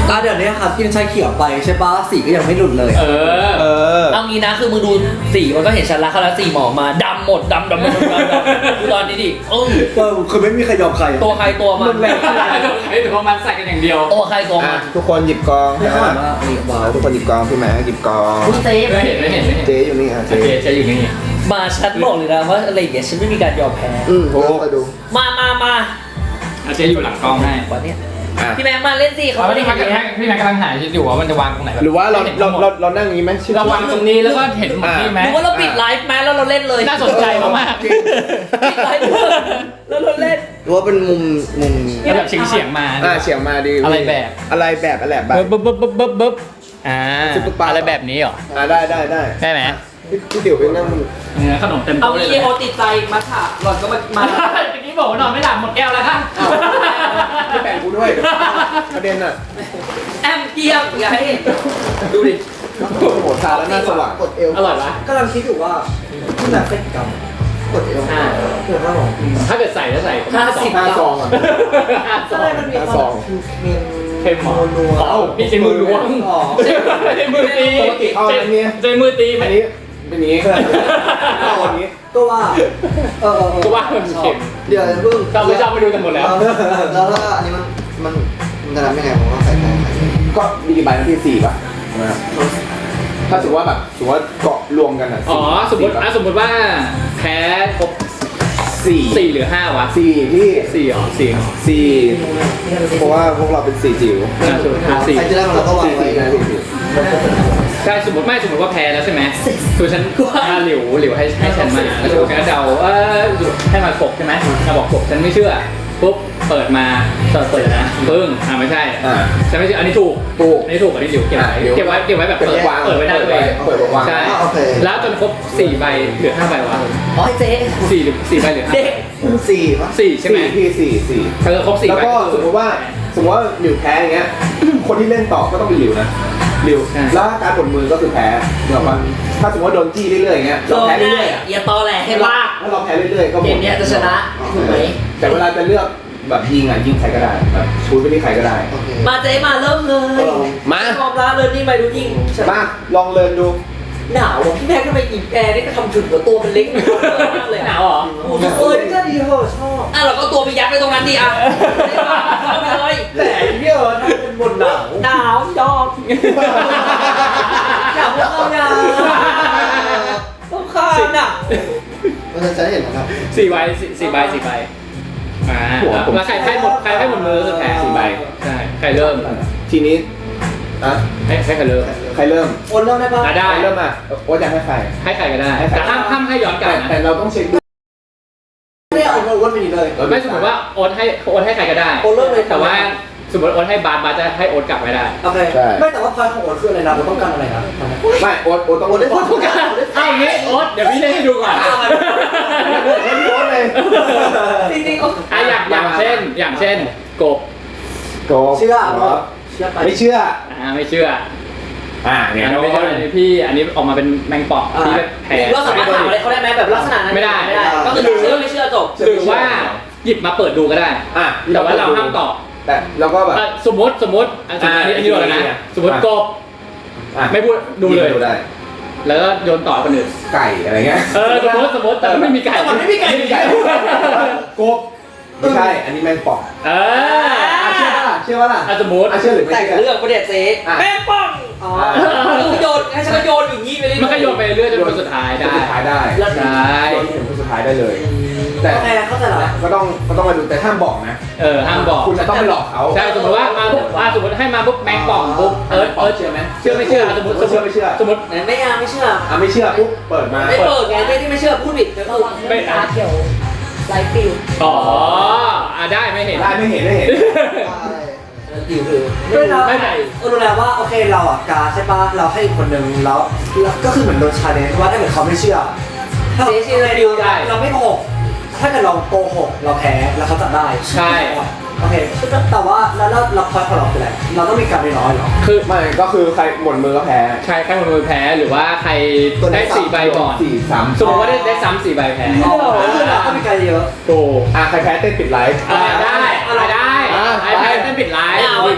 [SPEAKER 5] อ่ะเดี๋ยวนี้ครับกินชาเขียวไปใช่ปะสีก็ยังไม่หลุดเลย
[SPEAKER 2] เออ
[SPEAKER 3] เออ
[SPEAKER 1] เอางี้นะคือมึงดูสีมันก็เห็นชัดแล้วเขาแล้วสีหมอมาดำหมดดำดำดำดำดำดูตอนนี้ดิเออ
[SPEAKER 5] ก็คือไม่มีใครยอมใคร
[SPEAKER 1] ตัวใครตัวมัน
[SPEAKER 2] ไอ้ตัวมันใส่กันอย่างเดียว
[SPEAKER 1] ตัวใครตัวมั
[SPEAKER 3] อ่ะ
[SPEAKER 1] น
[SPEAKER 3] ทุกคนหยิบกอง
[SPEAKER 5] ไม่
[SPEAKER 3] นะ
[SPEAKER 5] ค่อยว่านี่ว้าว
[SPEAKER 3] ทุกคนหยิบกองพี่แม่หยิบกอง
[SPEAKER 1] คุณเต้
[SPEAKER 2] ไม่เห็นไม่เห็นไม่เห็น
[SPEAKER 3] เจ๊อยู่นี่อ่ะ
[SPEAKER 2] โอ
[SPEAKER 3] เจ๊
[SPEAKER 2] เคใช้อยู่นี่
[SPEAKER 1] มาชัดบอกเลยนะว่าอะไรอย่างเงี้ยฉันไม่มีการยอมแพ้
[SPEAKER 3] อืมโอ้ไปดู
[SPEAKER 1] มามามา
[SPEAKER 2] อาเจ๊อยู่หลังกล้องให้
[SPEAKER 1] วันเนี้ย
[SPEAKER 3] อ่ะ
[SPEAKER 1] พี่แม่มาเล่นสิเขา
[SPEAKER 2] เขา
[SPEAKER 1] ไม่
[SPEAKER 2] ไม่
[SPEAKER 1] ได้
[SPEAKER 2] ได้
[SPEAKER 1] เห็น
[SPEAKER 2] พักกันให้พี่แม็กกำลังหาคิดอยู่ว่ามันจะวางตรงไหนแบบ
[SPEAKER 3] หรือว่าเรา
[SPEAKER 2] ให้ห็น
[SPEAKER 3] เรา
[SPEAKER 2] ทั้งหมด
[SPEAKER 3] เราเรานั่งอย่างนี้ไหมชื่อ
[SPEAKER 2] เราวางตรงนี้แล้วก็เห็นหมดที่ไหม
[SPEAKER 1] หรือว่าเราปิดไลฟ์ไหมแล้วเราเล่นเลย
[SPEAKER 2] น่าสนใจมากๆ
[SPEAKER 1] ปิดไลฟ์แล้วเราเล่น
[SPEAKER 3] หรือว่าเป็นมุมมุม
[SPEAKER 2] แล้วแบบเฉียงเฉียงๆมา
[SPEAKER 3] อ่าเฉียงมาดี
[SPEAKER 2] อะไรแบบ
[SPEAKER 3] อะไรแบบอะไรแบบ
[SPEAKER 2] บึ๊บบึ๊บบึ๊บบึ๊บบึ๊บอ่า
[SPEAKER 3] ซุปเปอร์ปลา
[SPEAKER 2] อะไรแบบนี้เหรอ
[SPEAKER 3] อ่าได้ได้ได้
[SPEAKER 2] ได้ไหม
[SPEAKER 3] พี่พี่เดี๋ยวไปนั่ง
[SPEAKER 2] เนี่ยขนมเต็ม
[SPEAKER 1] เอา
[SPEAKER 2] โต๊ะเลย
[SPEAKER 1] อีโอติดใจมาถามหล่อนก็มามา
[SPEAKER 2] เมื่อกี้บอกว่านอนไม่หลับหมดแก้วแล้วค่ะ
[SPEAKER 3] อ้าวไม่แบ่งกูด้วยประเด็นอ่ะ
[SPEAKER 1] แอมเกียมอย่าให้ดูดิ
[SPEAKER 3] โอ้โหทาแล้วหน้าสว่างกดเอว
[SPEAKER 2] อร่อยปะ
[SPEAKER 5] กำลังคิดอยู่ว่าที่แบบเป็นกรรมกดเอว
[SPEAKER 1] อ่า
[SPEAKER 5] เกิดว่าหรอ
[SPEAKER 2] ถ้าเกิดใส่แล้วใส่
[SPEAKER 1] ห้าสิบ
[SPEAKER 3] ห้าซองอ่ะ
[SPEAKER 2] ห้าซ
[SPEAKER 5] ใช่
[SPEAKER 2] อง
[SPEAKER 5] มันมี
[SPEAKER 3] ห้า
[SPEAKER 5] ค
[SPEAKER 3] ซ
[SPEAKER 5] วา
[SPEAKER 3] อ
[SPEAKER 5] ม
[SPEAKER 3] ง
[SPEAKER 5] มี
[SPEAKER 2] เค็มหมอ
[SPEAKER 5] นัว
[SPEAKER 2] เอ้าพี่ใช้มือล้วง
[SPEAKER 5] อ๋อ
[SPEAKER 2] ใช้มือตี
[SPEAKER 3] ปกติเอาอันนี้
[SPEAKER 2] ใช้มือตีไหม
[SPEAKER 3] อันนี้เป็นอย่างนี้เอาอันนี้
[SPEAKER 5] ก็ว่าเออเออเออ
[SPEAKER 2] ก็ว่ามันเค็ม
[SPEAKER 3] เดี๋ยวเพิ่ง
[SPEAKER 2] เราไม่ชอบไปดูกันหมดแล้ว
[SPEAKER 3] แล้วถ้าอันนี้มันมันมันจะทำยังไงผมว่าใส่ใส่ก็มีกี่ใบนะพี่สี่ป่ะนะครับถ้าสมมติว่าแบบสมมติว่าเกาะรวมกันอ่ะ
[SPEAKER 2] อ๋อสมมติอ่ะสมมติว่าแพ้ครบ
[SPEAKER 3] สี่
[SPEAKER 2] สี่หรือห้าวะ
[SPEAKER 3] สี่พี่
[SPEAKER 2] สี่เหรอสี่เหรอ
[SPEAKER 3] สี่เพราะว่าพวกเราเป็นสี่จิ๋ว
[SPEAKER 2] อ่ะสมมติอ่ะสี่
[SPEAKER 3] ใครจะได้มันเราก็วางไว้นะพี่
[SPEAKER 2] ใช่สมมติไม่สมมติว่าแพ้แล้วใช่ไหมคือฉันอ่ะหลิวหลิวให้ให้ฉันมาแล้วฉันก็เดาเออให้มากบใช่ไหมมาบอกกบฉันไม่เชื่อปุ๊บเปิดมาเปิดเปิดนะปึ้งอ่ะไม่ใช่
[SPEAKER 3] อ่า
[SPEAKER 2] ฉันไม่เชื่ออันนี้ถูก
[SPEAKER 3] ถูก
[SPEAKER 2] อันนี้ถูกอันนี้หลิวเก็บไว้
[SPEAKER 3] อ่ะหลิว
[SPEAKER 2] เก็บไว้เก็บไว้แบบเปิด
[SPEAKER 3] วาง
[SPEAKER 2] เปิดไว้ได้ตัวเอง
[SPEAKER 3] เปิดวาง
[SPEAKER 2] ใช่
[SPEAKER 3] อ่ะโอเค
[SPEAKER 2] แล้วจนครบสี่ใบเหลือห้าใบวะ
[SPEAKER 1] อ๋อไอ้เจ๊
[SPEAKER 2] สี่หรือสี่ใบเหลือห้า
[SPEAKER 1] เด็ก
[SPEAKER 3] สี่ป่ะ
[SPEAKER 2] สี่ใช่ไหม
[SPEAKER 3] พี่สี่สี่
[SPEAKER 2] เออครบสี่
[SPEAKER 3] แล้ว
[SPEAKER 2] ใบ
[SPEAKER 3] ก็สมมติว่าสมมติว่าหลิวแพ้อย่างเงี้ย คนที่เล่นต่อก็ต้องเป็นหลิวนะหลิว
[SPEAKER 2] ใช่
[SPEAKER 3] แล้วการปลดมือก็คือแพ้เหรอปะถ้าสมมติว่าโดนจี้เรื่อยๆอย่างเงี้ย
[SPEAKER 1] โด
[SPEAKER 3] เรา
[SPEAKER 1] น
[SPEAKER 3] แพ้
[SPEAKER 1] ได้
[SPEAKER 3] เรื่อยๆอ่ะ
[SPEAKER 1] อย่าตอแหลให้ลาก
[SPEAKER 3] ถ้าเราแพ้เรื่อยๆก็หม
[SPEAKER 1] เก
[SPEAKER 3] ด
[SPEAKER 1] มเนี้ยจะชนะถูกไหม
[SPEAKER 3] แต่เวลาจะเลือกแบบยิงอ่ะยิงใครก็ได้แบบชูไปที่ใครก็ได้
[SPEAKER 1] มาเจ๊มาเริ่มเลย
[SPEAKER 3] มา
[SPEAKER 1] ความรักเลยนี่ไปดูยิ่ง
[SPEAKER 3] มาลองเลินดู
[SPEAKER 1] หนาวอ่ะพี่แม่ทำไมหยิบแอร์นี่ก็ทำถึงหัวตัวมันเล็กมากเลย
[SPEAKER 2] หนาวเหรอ
[SPEAKER 1] โอ้โหเอ้ยก็ดีเหรอชอบอ่ะเราก็ตัวไปยัดไปตรงนั้นดิอ่ะเข้าไปเลย
[SPEAKER 5] แต่เดี๋ยวถ้าเป็นบนหนาว
[SPEAKER 1] หนาวยอมอยากว่าเอาอย่าต้องคานอ่ะ
[SPEAKER 3] มันจะเห็นนะครับ
[SPEAKER 2] สี่ใบสี่สี่ใบสี่ใบอ่า
[SPEAKER 3] หัวผม
[SPEAKER 2] แล้วใครให้หมดใครให้หมดมือคือแพ้สี่ใบใช่ใครเริ่ม
[SPEAKER 3] ทีนี้อ่ะ
[SPEAKER 2] ให้ให้ใครเริ่ม
[SPEAKER 3] ใครเริ่ม
[SPEAKER 5] โอนเริ่มได้ปะ
[SPEAKER 2] อ่ะได้
[SPEAKER 3] ใครเริ่มอ่ะโอ๊ตอยากให้ใคร
[SPEAKER 2] ให้ใครก็ได้
[SPEAKER 3] ให้ใคร
[SPEAKER 2] แต่ห้ามห้ามให้ย้อนกลั
[SPEAKER 3] แต่
[SPEAKER 2] บ
[SPEAKER 3] แต่
[SPEAKER 2] นะ
[SPEAKER 3] เราต้องเช็คดู
[SPEAKER 5] ไม่ได้เอาโอนไปนี่เลย
[SPEAKER 2] ไม่สมมติว่าโอ๊ตให้โอ๊ตให้ใครก็ได้
[SPEAKER 5] โอนเริ่มเลย
[SPEAKER 2] แต่ว่าสมมติโอ๊ตให้บาสบาสจะให้โอ๊ตกลับไม่ได้
[SPEAKER 5] โอเคไม่แต่ว่าพอยของโอนคืออะไรนะเราต้องการอะไรนะ
[SPEAKER 3] ไม่โอ๊ตโอ๊ตต้องโอ๊ตได้
[SPEAKER 5] โอ๊ต
[SPEAKER 3] ทุกการ
[SPEAKER 2] เอาอย่างนี้โอ๊ตเดี๋ยวพี่เล่นให้ดูก่อน
[SPEAKER 3] โอ๊ตโอ๊ตเลย
[SPEAKER 1] จริงๆ
[SPEAKER 2] อ่ะอย่างอย่างเช่น อย่างเช่นกบ
[SPEAKER 3] โก
[SPEAKER 5] เชื่อเชื่อไป
[SPEAKER 3] ไม่เชื่อ
[SPEAKER 2] อ่าไม่เชื่อ
[SPEAKER 3] อ่า
[SPEAKER 2] อัน
[SPEAKER 3] เนี่ย
[SPEAKER 2] นี้ไม่ใช่อันนี้พี่อันนี้ออกมาเป็นแมงป่องที่แบบแพ้
[SPEAKER 1] เราสามารถถามอะไรเขาได้ไหมแบบลักษณะนั้น
[SPEAKER 2] ไม่ได้
[SPEAKER 1] ไม่ได้ก็คือเชื่อไม่เชื่อจบ
[SPEAKER 2] หรือว่าหยิบมาเปิดดูก็ได้
[SPEAKER 3] อ่ะ
[SPEAKER 2] แต่ว่าเราห้ามตอบ
[SPEAKER 3] แต่เราก็แบบ
[SPEAKER 2] อ่ะสมมติสมมติอันนี้อันนี้อันนี้โดนแล้วนะสมมติกบ
[SPEAKER 3] อ่ะ
[SPEAKER 2] ไม่พูดดูเลย
[SPEAKER 3] ดูได้
[SPEAKER 2] แล้วก็โยนต่อคนอื่น
[SPEAKER 3] ไก่อะไรเงี้ย
[SPEAKER 2] เออสมมติสมมติแต่ไม่มีไก่
[SPEAKER 1] แต่มันไม่มีไก่
[SPEAKER 3] ไม่มีไก่กบไม่ใช่ อันนี้แมงป่อง
[SPEAKER 2] เออ
[SPEAKER 3] อ่ะเชื่อป่ะล่ะเชื่อป่ะล่ะ
[SPEAKER 2] อ่ะสมมติ
[SPEAKER 3] อ่ะเชื่อหรือไม่
[SPEAKER 1] แต่ง
[SPEAKER 3] เชื่อ
[SPEAKER 1] เรื่องประเด็นเจ๊
[SPEAKER 3] อ่ะ
[SPEAKER 1] แม่งป้องอ๋อคือโยนให้ฉันก็โยนอย่างนี้ไปเรื่อยๆ
[SPEAKER 2] มันก็โยนไปเรื่อยจนคนสุดท้าย
[SPEAKER 3] คน
[SPEAKER 2] ได้
[SPEAKER 3] สุดท้ายได้
[SPEAKER 2] ใช่
[SPEAKER 3] โดนถึงคนสุดท้ายได้เลย แต่
[SPEAKER 5] โอเคเข้าใจแล้ว
[SPEAKER 3] ก็ต้องก็ต้องมาดูแต่ห้ามบอกนะ
[SPEAKER 2] เออห้ามบอก
[SPEAKER 3] คุณจะต้องไปหลอกเขา
[SPEAKER 2] ใช่สมมติว่ามาปุ๊บอ่ะสมมติให้มาปุ๊บแมงป่องปุ๊บเอิร์ธเอิร์ธ
[SPEAKER 3] เชื่อไหม
[SPEAKER 2] เชื่อไม่เชื่อสมมติสมม
[SPEAKER 3] เชื่อ
[SPEAKER 2] ติ
[SPEAKER 3] ไม่เชื่อ
[SPEAKER 2] สมมติ
[SPEAKER 1] ไม่เอาไม่เชื่อ
[SPEAKER 3] อ่ะไม่เชื่อปุ๊บเปิดมา
[SPEAKER 1] ไม่เปิดไงไม่ที่ไม่เชื่อพูดผิดก็คือ
[SPEAKER 2] ไม่อ่ะ
[SPEAKER 6] เขียวไลฟ์ฟิล
[SPEAKER 2] อ๋ออ่ะได้ไม่เห็น
[SPEAKER 3] ได้ไม่เห็นไม่เห็น
[SPEAKER 1] ดิวคือ
[SPEAKER 5] ไม่เรา
[SPEAKER 2] ไม่ไหน
[SPEAKER 5] เออรู้แล้วว่าโอเคเราอ่ะการใช่ปะเราให้อีกคนนึงแล้วแล้วก็คือเหมือนโดนชาเลนจ์ว่าถ้าเกิดเขาไม่เชื่อถ้า
[SPEAKER 1] เจ๊ชื่ออะไรดิวได้
[SPEAKER 5] เราไม่โกหกถ้าเกิดเราโกหกเราแพ้แล้วเขาจับได้
[SPEAKER 2] ใช่
[SPEAKER 5] โอเคแต่ว่าแล้วเราเราพอยของเราคืออะไรเราต้องมีการน้อยๆเหรอ
[SPEAKER 2] คือ
[SPEAKER 3] ไม่ก็คือใครหมดมือก็แพ้
[SPEAKER 2] ใครใครหมดมือแพ้หรือว่าใครได้สี่ใบก่อน
[SPEAKER 3] สี่สาม
[SPEAKER 2] สมมติว่าได้ได้ซ้ำสี่ใบแพ้
[SPEAKER 5] อ๋อก็คือเราต้องมีการเยอะ
[SPEAKER 2] ถูก
[SPEAKER 3] อ่ะใครแพ้เต้นปิดไลฟ์
[SPEAKER 2] อ่าได้อ่าได้
[SPEAKER 3] อ่ะ
[SPEAKER 2] ไอแพ้เต้นปิดไลฟ์
[SPEAKER 1] เอาเจ๊
[SPEAKER 2] เอ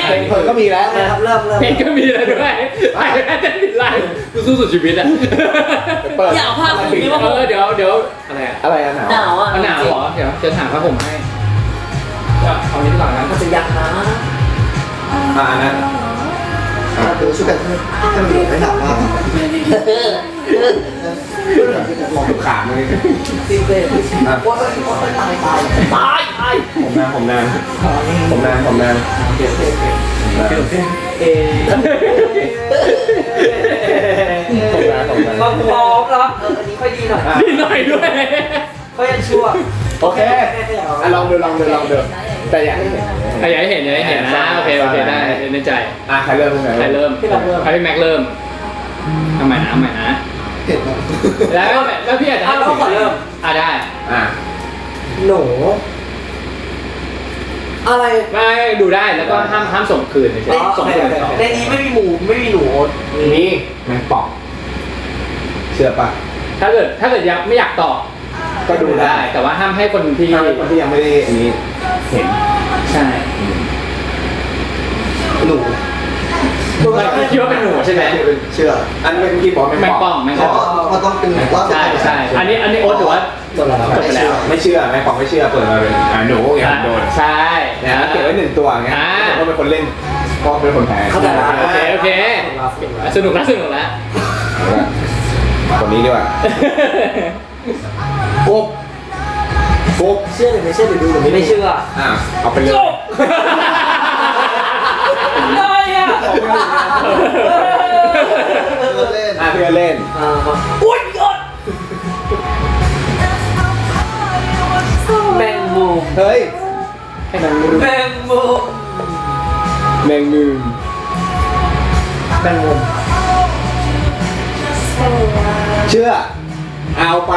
[SPEAKER 4] เพลงคนก็มีแล้ว
[SPEAKER 5] นะครับเริ่มเริ่ม
[SPEAKER 2] เพลงก็มีแล้วด้วยไอ้แม่เต้นผิดไลน์กูสู้สุดชีวิตอ่ะ
[SPEAKER 4] เปิด
[SPEAKER 1] อย่าเอาผ้าคลุมนี่มา
[SPEAKER 2] เออเดี๋ยวเดี๋ยวอะไรอ่ะ
[SPEAKER 4] อะไรอะหนาว
[SPEAKER 1] หนาวอ่ะ
[SPEAKER 2] เอาหนาวเหรอเดี๋ยวจะถามผ้าห่มให้ก็เอานี้ดีกว่ากัน
[SPEAKER 1] มันจะยักนะ
[SPEAKER 4] อ่าอันนั้น
[SPEAKER 3] ดูช่วยกันให้มันไม่หนักมาก
[SPEAKER 4] มองขาดเลย
[SPEAKER 1] ซีเซ่
[SPEAKER 4] อ่ะ
[SPEAKER 5] ว่าตายตายตาย
[SPEAKER 1] ตายตาย
[SPEAKER 4] ผมนางผมนางผมนางผมนาง
[SPEAKER 5] เอ
[SPEAKER 4] ผมนางผมนาง
[SPEAKER 5] มาพร้อมแล้วเอออันนี้ค่อยดีหน่อย
[SPEAKER 2] นิดหน่อยด้วย
[SPEAKER 5] ค่อยยังชั่ว
[SPEAKER 4] โอเคอ่ะลองดูลองดูลองดูแต่อยากให้เห็น
[SPEAKER 2] อ่ะอยากให้เห็นอยากให้เห็นนะโอเคโอเคได้ในใจ
[SPEAKER 4] อ่ะใครเริ่ม
[SPEAKER 2] ใครเริ่มใครพี่แม็กเริ่มทำใหม่นะทำใหม่นะ
[SPEAKER 3] เห็นไหม
[SPEAKER 2] แล้วแล้วพี่อาจจะให้ผมเริ่มอ่ะได้
[SPEAKER 4] อ่ะ
[SPEAKER 5] หนู อะไร
[SPEAKER 2] ไม่ดูได้แล้วก็ห้ามห้ามส่งคืนเฉยๆส่งคืนต่อ
[SPEAKER 5] ในนี้ไม่มีหมูไม่มีหนู
[SPEAKER 4] นี่แมงป่องเชื่อปะ
[SPEAKER 2] ถ้าเกิดถ้าเกิดยังไม่อยากตอบ
[SPEAKER 4] ก็ดูได้
[SPEAKER 2] แต่ว่าห้ามให้คนที่
[SPEAKER 4] ถ้าเป็นคนที่ยังไม่ได้อันนี้เห็น
[SPEAKER 2] ใช่
[SPEAKER 3] หนู
[SPEAKER 2] เราคิดว่าเป็นหนูใช่ไหม
[SPEAKER 3] เชื่อ
[SPEAKER 4] อันเป็นที่บอกแมง
[SPEAKER 2] แมง
[SPEAKER 4] ป่
[SPEAKER 2] ป่
[SPEAKER 4] อ
[SPEAKER 2] อง งแมง
[SPEAKER 3] เพ
[SPEAKER 2] ป่อ
[SPEAKER 3] ราะ
[SPEAKER 2] ง
[SPEAKER 3] มันต้องเป็นว่า
[SPEAKER 2] ใช่ใช่อันนี้อันนี้โอ๊ตถือว่า
[SPEAKER 5] จบแล้ว
[SPEAKER 2] จบไปแล้ว
[SPEAKER 4] ไม่เชื่อแมงป่องไม่เชื่อเปิดมาเป็นอ่าหนูไงโดน
[SPEAKER 2] ใช่
[SPEAKER 4] นะเก็บไว้หนึ่งตัวไงผมก็เป็นคนเล่นก็เป็นคนแพ้
[SPEAKER 5] เข้าใจแล้ว
[SPEAKER 2] โอเคโอเคสนุกแล้วสนุกแล้ว
[SPEAKER 4] คนนี้ดีกว่าปุ๊บปุ๊บ
[SPEAKER 5] เชื่อหรือไม่เชื่อหรือดูหรือไม่เชื่อ
[SPEAKER 4] อ่ะเอาไปเลย
[SPEAKER 1] ได้อ่ะ
[SPEAKER 3] เล่น
[SPEAKER 4] อ่ะเพื่อนเล่น
[SPEAKER 5] อ่า
[SPEAKER 1] อุ้ยยอด
[SPEAKER 5] แมงมุม
[SPEAKER 4] เฮ้ยแมงมุม
[SPEAKER 5] แมงมุม
[SPEAKER 4] แมงมุม
[SPEAKER 5] แมงมุม
[SPEAKER 4] เชื่อเอาไป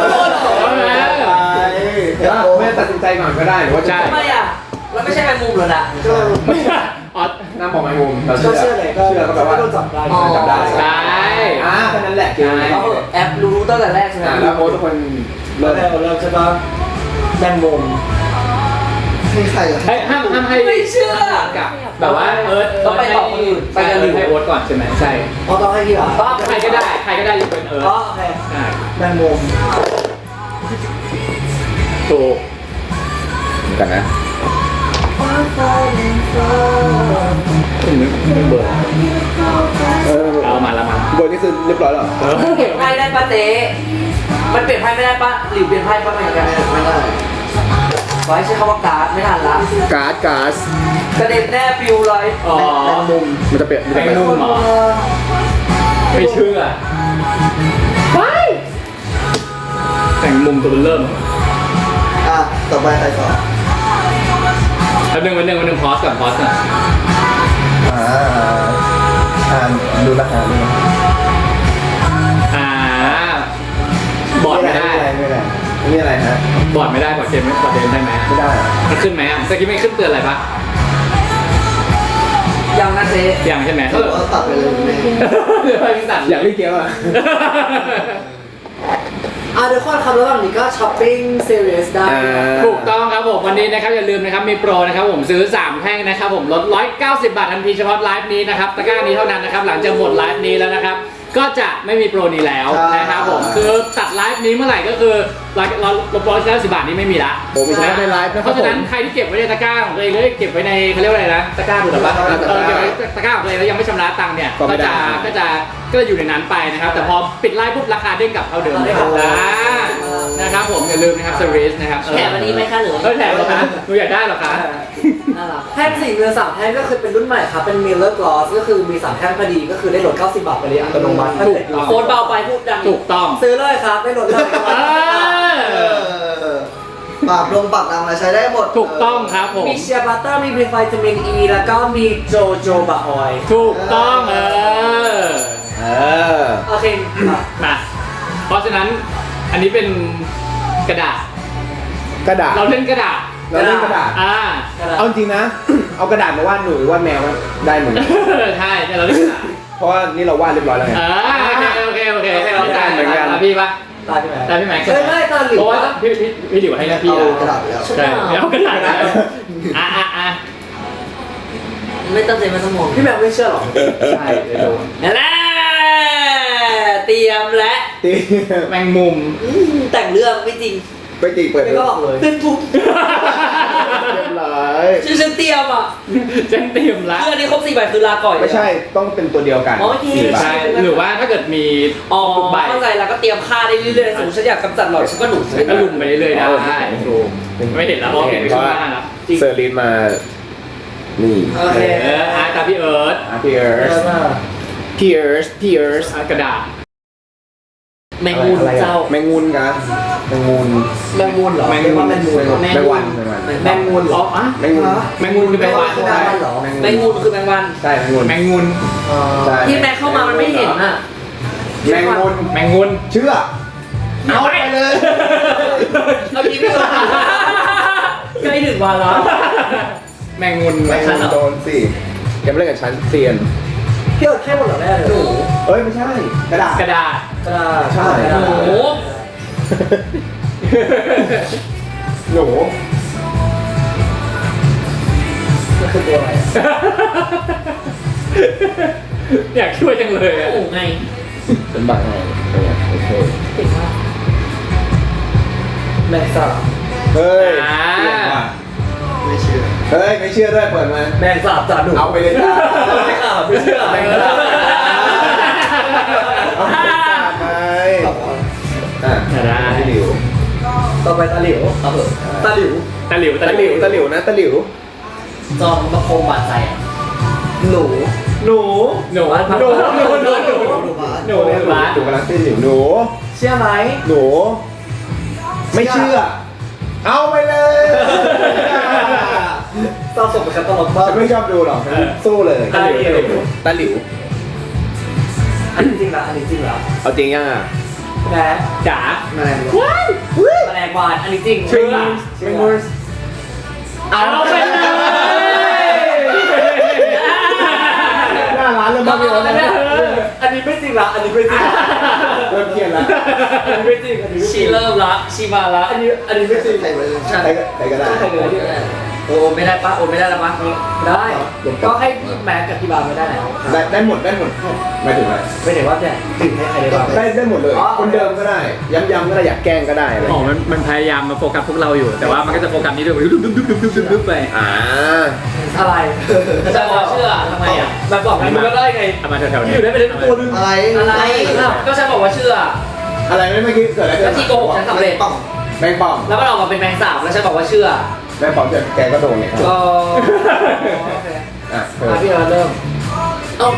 [SPEAKER 4] ไม่ตัดสินใจก่อนก็ได้หรือว่าจะ
[SPEAKER 1] ทำไมอ่ะแล้วไม่ใช่แมงมุมเหรอนะ
[SPEAKER 2] อ๋อ
[SPEAKER 4] น้ำบอกแมงมุมเรา
[SPEAKER 5] ก็
[SPEAKER 4] เชื่อ
[SPEAKER 5] เชื่อเลยก็
[SPEAKER 4] เชื่อก็แปลว่า
[SPEAKER 5] โดนจับได้
[SPEAKER 4] จับได้
[SPEAKER 2] ใช่
[SPEAKER 4] อ่าแค่นั้นแหละเกมนี้
[SPEAKER 1] เขาแอปรู้ตั้งแต่แรกใช่ไหม
[SPEAKER 4] อ่าแล้วโค้ชทุกคน
[SPEAKER 5] เริ่
[SPEAKER 4] เริ่
[SPEAKER 5] ม
[SPEAKER 4] ม
[SPEAKER 5] เริ่มใช่ปะแมงมุม
[SPEAKER 3] ให้ใครอ่ะ
[SPEAKER 2] ให้ห้ามห้ามให้
[SPEAKER 1] ไม่เชื่อ
[SPEAKER 2] กับแบบว่าเอิร์ธ
[SPEAKER 1] ต้องไปต่อคนอื่น
[SPEAKER 2] ไปกันให้โอ๊ตก่อนใช่ไหมใช่
[SPEAKER 5] อ๋อต้องให้พี่เหรอ
[SPEAKER 2] ใครก็ได้ใครก็ได้ยกเป็นเอิร์ธ
[SPEAKER 5] อ๋อโอเค
[SPEAKER 2] ใช่
[SPEAKER 5] แมงมุม
[SPEAKER 2] ถูก
[SPEAKER 4] เหมือนกันนะ
[SPEAKER 2] เบอร์
[SPEAKER 4] เออ
[SPEAKER 2] เอามาละมา
[SPEAKER 4] เบอร์นี่คือเรียบร้อยแล้วเหรอ
[SPEAKER 1] เปลี่ยนไพ่ได้ปะเจ๊มันเปลี่ยนไพ่ไม่ได้ปะหรือเปลี่ยนไพ่ปะไม่ได้
[SPEAKER 3] ไม่ได้
[SPEAKER 1] ไว้ใช้คำว่าการ์ดไม่ทันละ
[SPEAKER 4] การ์ดการ์ด
[SPEAKER 1] กระเด็นแน่ปิวเลย
[SPEAKER 2] อ๋อ
[SPEAKER 4] แมงมุมมันจะเปลี่ยนมัน
[SPEAKER 2] แม
[SPEAKER 4] จะ
[SPEAKER 2] ง
[SPEAKER 4] เปลี่ยน
[SPEAKER 2] มุมเหรอไม่เชื่อแต่งมุมตัวเริ่ม
[SPEAKER 3] อ่ะต่อไปใครต่อ
[SPEAKER 2] แล้วหนึ่งวันหนึ่งวันหนึ่งพอสก่อนพอสก่อน
[SPEAKER 4] อ่าอ่านดูราคาดูนะ
[SPEAKER 2] อ่าบอร์ดไม่ได้
[SPEAKER 4] ไม่ได้ไม่ได้นี่อะไรฮะ
[SPEAKER 2] บอร์ดไม่ได้บอร์ดเกมไม่บอร์ดเกมได้ไหม
[SPEAKER 4] ไม่ได้
[SPEAKER 2] มันขึ้นไหมอ่ะเมื่อกี้ไม่ขึ้นเตือนอะไรปะ
[SPEAKER 1] ยังนะเจ๊
[SPEAKER 2] ยังใช่ไหม
[SPEAKER 3] เขาบอกว่าตัดไปเลยแม่
[SPEAKER 2] เดี๋ยวไปตัด
[SPEAKER 4] อยากเล่นเกมอ่ะ
[SPEAKER 5] อ่ะเดี๋ยวข้อคำระหว่างนี้ก็ช้อปปิ้งซีเรียสได้
[SPEAKER 2] ถูกต้องครับผมวันนี้นะครับอย่าลืมนะครับมีโปรนะครับผมซื้อสามแท่งนะครับผมลดหนึ่งร้อยเก้าสิบบาททันทีเฉพาะไลฟ์นี้นะครับตะกร้านี้เท่านั้นนะครับหลังจากหมดไลฟ์นี้แล้วนะครับก็จะไม่มีโปรนี้แล้วนะครับผมคือตัดไลฟ์นี้เมื่อไหร่ก็คือเราเราลดร้อยเก้าสิบบาทนี้ไม่มีละ
[SPEAKER 4] โอ้ไม่ใช่ในไลฟ์นะค
[SPEAKER 2] เพ
[SPEAKER 4] รับ
[SPEAKER 2] ราะ
[SPEAKER 4] ผ
[SPEAKER 2] ฉะนั้น
[SPEAKER 4] ม
[SPEAKER 2] ใครที่เก็บไว้ในตะกร้าของตัวเองหรือเก็บไว้ในเขาเรียกว่าอะไรนะตะกร้าถูกหรือเปล่าเออเก็บไว้ตะกร้าของตัวเองแล้วยังไม่ชำระตังค์เนี่ยก็จะก็จะก็จะอยู่ในนั้นไปนะครับแต่พอปิดไลฟ์ปุ๊บราคาเด้งกลับเท่าเดิมเลยอ่านะครับผมอย่าลืมนะครับเซอร์วิสนะครับ
[SPEAKER 1] แถมวันนี้ไหมคะหรือ
[SPEAKER 2] เออแถมเหรอคะหนูอยากได้เหรอคะ
[SPEAKER 1] น่ารัก
[SPEAKER 5] แท่งสี่เรือสามแท่งก็คือเป็นรุ่นใหม่ครับเป็นมิลเลอร์กลอสก็คือมีสามแท่งพอดีก็คือได้ลดเก้าสิบบาทไปเลยอัตโนมัติ
[SPEAKER 2] ถูกต้อง
[SPEAKER 1] โคนเบาไปพูดดัง
[SPEAKER 2] ถูกต้อง
[SPEAKER 5] ซื้อเลยครับได้ลดเลย
[SPEAKER 2] เออ
[SPEAKER 3] เออปากลงปากดำอะไรใช้ได้หมด
[SPEAKER 2] ถูกต้องครับผม
[SPEAKER 5] มีเชียร์บัตเตอร์มีวิตามินอีแล้วก็มีโจโจบะออยล์
[SPEAKER 2] ถูกต้องเออ
[SPEAKER 4] เออ
[SPEAKER 5] โอเคอ่ะ
[SPEAKER 2] มาเพราะฉะนั้นอันนี้เป็นกระดาษ
[SPEAKER 4] กระดาษ
[SPEAKER 2] เราเล่นกระดาษ
[SPEAKER 4] เราเล่นกระดาษ
[SPEAKER 2] อ่า
[SPEAKER 4] เอาจริงนะ เอากระดาษมาวาดหนูหรือวาดแมวได้เหมือนกัน
[SPEAKER 2] ใช่แต่เราเล่นกระดาษ
[SPEAKER 4] เพราะว่านี่เราวาดเรียบร้อยแล้วไง
[SPEAKER 2] อ่าโอเคโอเคโอเค
[SPEAKER 4] เหมือนกันเหมือนกัน
[SPEAKER 2] ตามพี่ปะ
[SPEAKER 5] ตาพี่แม็ก
[SPEAKER 2] ตามพี่แม็กซ์
[SPEAKER 5] เฮ้ยไม่ตาหลิว
[SPEAKER 2] เพราะว่าพี่พี่พี่หลิวให้หน้าที่
[SPEAKER 3] เอา
[SPEAKER 2] แล้ว
[SPEAKER 3] กระดาษไปแล้ว
[SPEAKER 2] ใช่เอากระดาษแล้วอ่ะอ่ะอ่ะ
[SPEAKER 1] อืไม่ตั้งใจไม่ต้องมอง
[SPEAKER 5] พี่แมวไม่เชื่อหรอ
[SPEAKER 2] ใช่เดี๋ยวโดน
[SPEAKER 1] นั่นแหละเตรียมและ
[SPEAKER 4] ตี
[SPEAKER 2] แมงมุม
[SPEAKER 1] อืมแต่งเรื่องไม่จริง
[SPEAKER 4] ไปตีเปิด
[SPEAKER 5] ไม่ก็บอกเลย
[SPEAKER 1] เป็นปุ๊บ
[SPEAKER 4] เรียบร้อย
[SPEAKER 1] ชื่อฉันเตรียมอ่ะ
[SPEAKER 2] แจ้งเตรียมละ
[SPEAKER 1] คืออันนี้ครบสี่ใบคือลาก่อยเลย
[SPEAKER 4] ไม่ใช่ต้องเป็นตัวเดียวกัน
[SPEAKER 1] โอเค
[SPEAKER 4] สี่ใบ
[SPEAKER 2] ใช่หรือว่าถ้าเกิดมี
[SPEAKER 1] อ๋อ
[SPEAKER 2] ทุกใบ
[SPEAKER 1] เข้าใจแล้วก็เตรียมค่าได้เรื่อยๆสมมติฉันอยากกำจัดหลอดฉันก็หนุน
[SPEAKER 2] ก็ลุมไปเรื่อยๆได้ถูกไม่เห็นแล้วเพราะเห็นไปข้างหน้าแล้ว
[SPEAKER 4] เซอร์ลินมา นี่
[SPEAKER 5] โอเค
[SPEAKER 2] เอออาร์ตาพี่เอิร์ธ
[SPEAKER 4] อ่ะพี่เอิร์สพี่เอิร์สพี่เอิร์ส
[SPEAKER 2] อาร์ตกระดาษ
[SPEAKER 1] แมงมุม
[SPEAKER 4] อะไรอะ
[SPEAKER 1] เจ้า
[SPEAKER 4] แมงมุนกันแมงมุน
[SPEAKER 5] แมงมุนเหรอ
[SPEAKER 2] แมงมุน
[SPEAKER 5] เรียกว่าแมงมุนเหรอ
[SPEAKER 4] แมงวันแมงวัน
[SPEAKER 5] แมงมุนเหร
[SPEAKER 2] อ๋
[SPEAKER 5] อ
[SPEAKER 2] ออ่ะ
[SPEAKER 4] แมงมุน
[SPEAKER 2] แมงมุมคือแมงวัน
[SPEAKER 5] แมงวันเหรอ
[SPEAKER 1] แมงมุมคือแมงวัน
[SPEAKER 4] ใช่แมงมุน
[SPEAKER 2] แมงมุม
[SPEAKER 5] อ๋อ
[SPEAKER 4] ใช่
[SPEAKER 1] ที่แมงเข้ามามันไม่เห็นอ่ะ
[SPEAKER 4] แมงมุน
[SPEAKER 2] แมงมุม
[SPEAKER 4] เชื่อเอาไปเลย
[SPEAKER 1] เอาทีไม่ว่าใกล้ถึงวันแล้ว
[SPEAKER 2] แมงมุม
[SPEAKER 4] แมงมุนโดนสิอย่ามาเล่นกับฉันเซียน
[SPEAKER 5] พี่เอาแค่หมดเหรอแม่เลย
[SPEAKER 1] หนู
[SPEAKER 4] เอ้ยไม่ใช่กระดาษ
[SPEAKER 2] กระดาษ
[SPEAKER 5] กระดาษ
[SPEAKER 4] ใช่
[SPEAKER 5] กระดาษ
[SPEAKER 1] หนู
[SPEAKER 4] หนู
[SPEAKER 5] มันคือตัวอะไรอะ
[SPEAKER 2] อยากช่วยจังเลยอ่ะ
[SPEAKER 1] หนูไง
[SPEAKER 4] เป็นบังไงโอเค
[SPEAKER 1] เก่งมาก
[SPEAKER 5] แมงสาบ
[SPEAKER 4] เฮ้ย
[SPEAKER 2] อ่า
[SPEAKER 4] เปลี่ยนว่ะ
[SPEAKER 3] ไม่เชื่อ
[SPEAKER 4] เฮ้ยไม่เชื่อด้วยเปิดมา
[SPEAKER 5] แมงสาบจ่าหนู
[SPEAKER 4] เอาไปเลยจ้า
[SPEAKER 5] ไม่ข่าวไม่เชื่อ
[SPEAKER 4] แมงสาบเอาไปไปอ่ะ
[SPEAKER 2] ได้
[SPEAKER 4] ตะหลิว
[SPEAKER 5] ต่อไปตาหลิวเอาเถอะตาหลิว
[SPEAKER 2] ตะหลิว
[SPEAKER 4] ตะหลิวตะหลิวนะตะหลิว
[SPEAKER 1] จอมมาโคมบาดใจ
[SPEAKER 5] หนู
[SPEAKER 2] หนูหนู
[SPEAKER 1] บ้านพัก
[SPEAKER 2] หนูหนูหนูหนู
[SPEAKER 3] หนูบ้าน
[SPEAKER 2] หนูในร้าน
[SPEAKER 4] หนูกำลังตะหลิวหนู
[SPEAKER 5] เชื่อไหม
[SPEAKER 4] หนู ไม่เชื่อ เอาไปเลย
[SPEAKER 5] เศร้าสมเป็นตลกมาก
[SPEAKER 4] ฉันไม่ชอบดูหรอกฉันสู้เลย
[SPEAKER 2] ตะหลิวตะหลิว
[SPEAKER 4] ตะหลิว
[SPEAKER 5] อันนี้จริงละอันนี้จริงละ
[SPEAKER 4] เอาจริงยังอ่ะ
[SPEAKER 5] แม่
[SPEAKER 2] จ๋า
[SPEAKER 3] แมลงวัน
[SPEAKER 1] แมลงวันอันนี้จริง
[SPEAKER 2] เชื่อ
[SPEAKER 5] แมงมุน
[SPEAKER 2] เอาไปเลย
[SPEAKER 4] หน้าร้านเริ่มบ้าไปแล้วนะ
[SPEAKER 5] อันนี้ไม่จริงละอันนี้ไม่จริงละ
[SPEAKER 4] เริ่มเครียดแล้ว
[SPEAKER 5] อันนี้ไม่จริงอันนี้ไม่จ
[SPEAKER 1] ชี
[SPEAKER 5] ริง
[SPEAKER 1] เริ่มละชีมาละ
[SPEAKER 5] อันนี้อันนี้ไม่จริง
[SPEAKER 3] ใครมาเล่น
[SPEAKER 1] ใช่
[SPEAKER 4] ใครก็ใครก็ได้
[SPEAKER 5] ใครเลยที่
[SPEAKER 1] โอ้ไม่ได้ปะโอ้ไม่ได้แล้วปะ
[SPEAKER 5] ได้ก็ให้แม็กกับพี่บาไม่ได้แล้ว
[SPEAKER 4] ได้ได้หมดได้หมดหมายถึงอะไร
[SPEAKER 5] ไม่ได้ว่าจะถึงให้ใครได้บ้าง
[SPEAKER 4] ได้ได้หมดเลย
[SPEAKER 5] อ๋อ
[SPEAKER 4] คนเดิมก็ได้ ย้ำๆก็ได้อยากแกล้งก็ได้อะไร
[SPEAKER 2] อ๋อมันมันพยายามมาโฟกัสพวกเราอยู่ แต่ว่ามันก็จะโฟกัสนี้ด้วยดึ๊บดึ๊บดึ๊บดึ๊บดึ๊บดึ๊บดึ๊บไป
[SPEAKER 4] อ่า
[SPEAKER 5] อะไร
[SPEAKER 1] จะบอกเชื่อทำไมอ่ะ
[SPEAKER 5] แบบบอกให้มึงก็ได้ไง
[SPEAKER 2] เอามาแถวๆนี้
[SPEAKER 5] อยู่ได้ไปเล่นตัวนึง
[SPEAKER 3] อะไร
[SPEAKER 1] อะไรก็ฉันบอกว่าเชื่อ
[SPEAKER 4] อะไรไม่เมื่อกี้เกิดอะไรขึ้
[SPEAKER 1] แล้ว
[SPEAKER 4] น
[SPEAKER 1] ที่โกหกฉันสำเร็จ
[SPEAKER 3] ป่อง
[SPEAKER 4] แมงป่อง
[SPEAKER 1] แล้วมันออกมาเป็นแมงสาบแล้วฉันบอกว่าเชื่อ
[SPEAKER 4] แมงป่องเจอแกก็โดนเนี่ย
[SPEAKER 1] ก็
[SPEAKER 4] อ่ะเออ
[SPEAKER 5] อ่ะพี่เราเริ่ม
[SPEAKER 1] เอ้า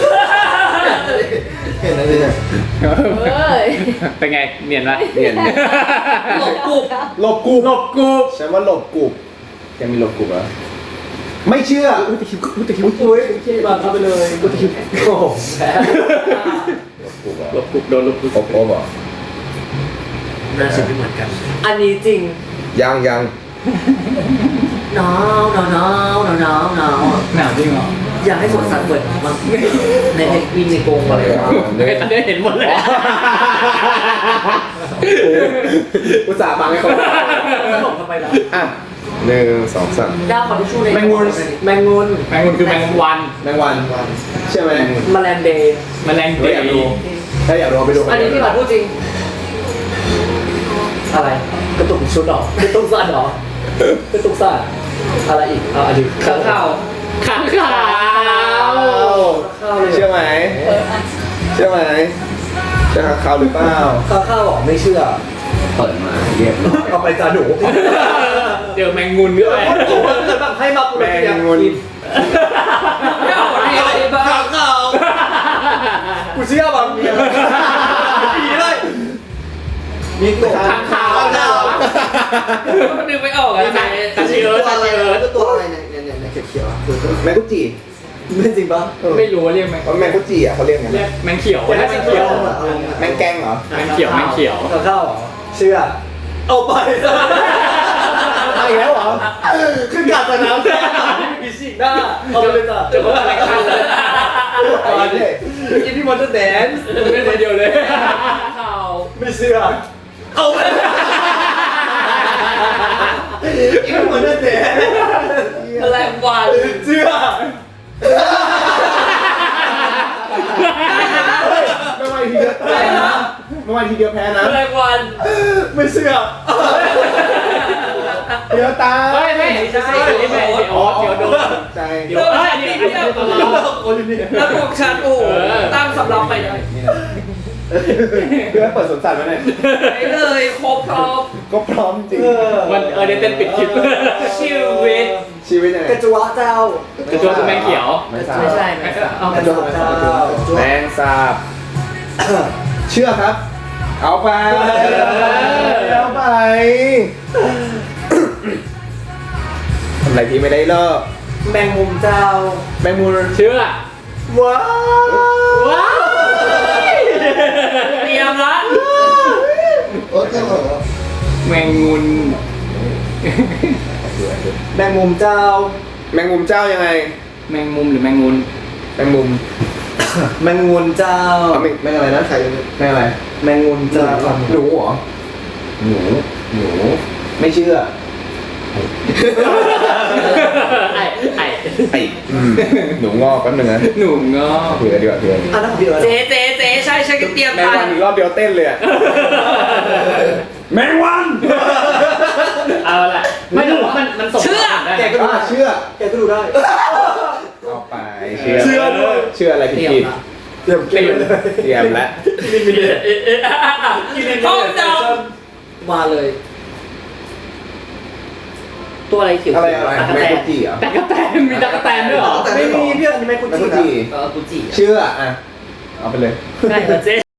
[SPEAKER 3] เห็นอะไรเนี่ย
[SPEAKER 6] เอ้ย
[SPEAKER 2] เป็นไงเนียนปะ
[SPEAKER 4] เนียน
[SPEAKER 1] หลบกุบ
[SPEAKER 4] หลบกู
[SPEAKER 2] หลบกู
[SPEAKER 4] ฉันว่าหลบกูแกมีหลบกูเหรอไม่เชื่อ
[SPEAKER 5] อุ้ยพี่บาเข้าไปเลยกูจะคิดโอ้โหแพ้
[SPEAKER 4] หลบกูเหรอ
[SPEAKER 2] หลบกูโดนหลบกู
[SPEAKER 4] โอ้โหบอก
[SPEAKER 1] น่าจะไม่เหมือนกัน
[SPEAKER 5] อันนี้จริง
[SPEAKER 4] ยังยัง
[SPEAKER 1] หนาวหนาวหนาวหนาวหนาวหนาว
[SPEAKER 2] หนาวจริงเหรอ
[SPEAKER 1] อยากให้สวนสัตว์เปิดมั้งในเพนกวินในกรงอะไรวะ
[SPEAKER 2] เดี๋ยวตอนนี้เห็นหมดเลย
[SPEAKER 4] อุตส่าห์ฟังให้เขา
[SPEAKER 5] ตลกทำไมล่ะ
[SPEAKER 4] อ่ะหนึ่งสองสาม
[SPEAKER 1] ดาวขอทิชชู่ใน
[SPEAKER 5] แมงมุนแมงมุน
[SPEAKER 2] แมงมุมคือแมงวัน
[SPEAKER 4] แมงวันใช่ไหม
[SPEAKER 5] แมลงเดย์
[SPEAKER 2] แมลง
[SPEAKER 4] เฮ้
[SPEAKER 2] เด
[SPEAKER 4] ยอยาก
[SPEAKER 2] ย์
[SPEAKER 4] ดูถ้าอยากดูไปดู
[SPEAKER 1] อันนี้พี่หลอดพูดจริง
[SPEAKER 5] อะไรกระตุกชุดหรอกระตุกสั้นหรอกระตุกสั้นอะไรอีกอ่ะอันนี้
[SPEAKER 1] ข้างข่าว
[SPEAKER 2] ข้างขาว
[SPEAKER 5] ข้าวเลย
[SPEAKER 4] เชื่อไหมเชื่อไหมเชื่อเขาหรือเปล่า
[SPEAKER 5] ข้าวข้าวบอกไม่เชื่อ
[SPEAKER 4] เปิดมาเรียบร้อย
[SPEAKER 5] เอาไปจ่าหนู
[SPEAKER 2] เดี๋ยวแมงมุมด้วย
[SPEAKER 5] ผมว่าเกิดแบบให้มาปู
[SPEAKER 4] แม
[SPEAKER 5] ระ
[SPEAKER 4] ง
[SPEAKER 5] เบีย
[SPEAKER 4] มุน
[SPEAKER 1] ไม่เอาคนนี้อะไรบ้างข้างข่าว
[SPEAKER 5] กูเชื่อบางเนี่ยผีเลยมีตัว
[SPEAKER 4] ข้างข่าว
[SPEAKER 1] มันดึงไม่ออกอะไง
[SPEAKER 2] ตาชีเอิร์ธ
[SPEAKER 3] ตัว
[SPEAKER 2] ตา
[SPEAKER 3] อะไร
[SPEAKER 2] ชีเอิร์ธ
[SPEAKER 3] ตัวอะไรเนี่ยเนี่ยเนี่ยเนี่ยเขียวๆอ่ะคือตัว
[SPEAKER 4] แมงกุจิ
[SPEAKER 5] ไม่จริงปะ
[SPEAKER 2] ไม่รู้ว่าเรียกแมง
[SPEAKER 4] เพราะแมงกุจิอ่ะเขาเรียกไง
[SPEAKER 2] เรียกแมงเขียวเรียกแมงเขียว
[SPEAKER 4] แมงแกงเหรอ
[SPEAKER 2] แมงเขียวแมงเขียว
[SPEAKER 5] ข้าวข้าวเหรอเชื่อเอาไป
[SPEAKER 4] เอาอีกแล้วเหรอ
[SPEAKER 5] คือการจะน้ำแค่ผีสิงหน้าเอาไปเลยจ้ะ
[SPEAKER 2] จะบอกอะไรกันเลย
[SPEAKER 4] เอาอีกเลย
[SPEAKER 5] อีพี่มอนเตอร์แดนซ์
[SPEAKER 2] ไม่ได้เดียวเลย
[SPEAKER 1] ข่าว
[SPEAKER 5] ไม่เชื่อเอาไปอีพี่มอนเตอร์แดนซ์
[SPEAKER 1] แมลงวัน
[SPEAKER 5] เชื่อ
[SPEAKER 4] ไม่ไหวทีเดียวแพ้นะไม่ไหวทีเดียวแพ้นะ
[SPEAKER 1] แรงวัน
[SPEAKER 4] ไม่เชื่อเดี๋ยวตา
[SPEAKER 2] เฮ้ยไม่ใช่อันนี้ไม่ใช่โอ๊ตเดี๋ยวโดน
[SPEAKER 4] ใจ
[SPEAKER 2] เดี๋ยวเอ้ยอันนี้อันนี้คือตลอด
[SPEAKER 4] โอ้ยนี่
[SPEAKER 1] แล้วพวกฉันโอ้โห
[SPEAKER 2] เออ
[SPEAKER 1] ตั้งสำรับไปเลย
[SPEAKER 4] เพื่อเปิดสวนสัตว์มาหน่อย
[SPEAKER 1] ไปเลยครบครบ
[SPEAKER 4] ก็พร้อมจริง
[SPEAKER 2] มันเออเดี๋ยวเต้นปิดคลิป
[SPEAKER 1] ชีวิต
[SPEAKER 4] ชีวิตยังไง
[SPEAKER 5] กระจัวเจ้าก
[SPEAKER 2] ระโจนคือแมงเขียว
[SPEAKER 4] ไม่ทราบ
[SPEAKER 1] ไม่ใช่ไม่ใช่เอา
[SPEAKER 5] กระจัวเจ้า
[SPEAKER 4] แมงสาบเชื่อครับ เอาไปเอาไปทำอะไรพี่ไม่ได้เลิก
[SPEAKER 5] แมงมุมเจ้า
[SPEAKER 4] แมงมุม
[SPEAKER 2] เชื่อ
[SPEAKER 4] ว้าว
[SPEAKER 2] ว้าว
[SPEAKER 1] เตรียมละ
[SPEAKER 3] โอ้ยเหรอ
[SPEAKER 2] แมงมุน
[SPEAKER 5] แมงมุมเจ้า
[SPEAKER 4] แมงมุมเจ้ายังไง
[SPEAKER 2] แมงมุมหรือแมงมุน
[SPEAKER 4] แมงมุม
[SPEAKER 5] แมงมุมเจ้า
[SPEAKER 4] เอาแมงแมงอะไรนะใครแมงอะไร
[SPEAKER 5] แมงมุมเจ้า
[SPEAKER 4] หนูเหรอหนูหนูไม่เชื่อ
[SPEAKER 2] ไอ้ไอ้
[SPEAKER 4] ไอ้อืมหนูงอกแป๊บนึงนะ
[SPEAKER 2] หนูงอ
[SPEAKER 4] เผื่อดีกว่าเผื่อ
[SPEAKER 5] อันนั้นของพี่เอิร์ธ
[SPEAKER 1] เจ๊เจ๊เจ๊ใช่ใช่ก็เตรียม
[SPEAKER 4] แมง
[SPEAKER 1] ไป
[SPEAKER 4] วันอีกรอบเดียวเต้นเลยอะแมงวัน
[SPEAKER 2] เอาละไม่แต่ว่ามันมันส่ง
[SPEAKER 1] เชื่อ
[SPEAKER 2] ได้
[SPEAKER 5] แกก็ดู
[SPEAKER 4] อ่ะ
[SPEAKER 5] ได้
[SPEAKER 4] เชื่อ
[SPEAKER 5] แกก็ดูได้
[SPEAKER 4] เอาไปเชื่อ
[SPEAKER 5] เชื่อด้วย
[SPEAKER 4] เชื่ออะไรผิด
[SPEAKER 1] เตรียม
[SPEAKER 4] ผิด
[SPEAKER 1] ละ
[SPEAKER 5] เตรียมเกมเลย
[SPEAKER 4] เตรียมแล้ว
[SPEAKER 1] ห้องจำมาเลย ตัวอะไรเขียว
[SPEAKER 4] อะไรอะไร
[SPEAKER 1] ตะกะ
[SPEAKER 4] แม
[SPEAKER 1] แต
[SPEAKER 4] งกุ
[SPEAKER 1] น
[SPEAKER 4] จิเหรอ
[SPEAKER 2] ตะกะแตนมีตะกะแตนด้วยเหรอ
[SPEAKER 5] ไม่มีพี่เอิร์ธอันนี้ไม่คุ้น
[SPEAKER 4] แมง
[SPEAKER 5] ชิ
[SPEAKER 4] กุ
[SPEAKER 5] น
[SPEAKER 4] จิ
[SPEAKER 1] เออกุจิ
[SPEAKER 4] เชื่ออ่ะเอาไปเลย
[SPEAKER 1] ใช่เหรอเจ๊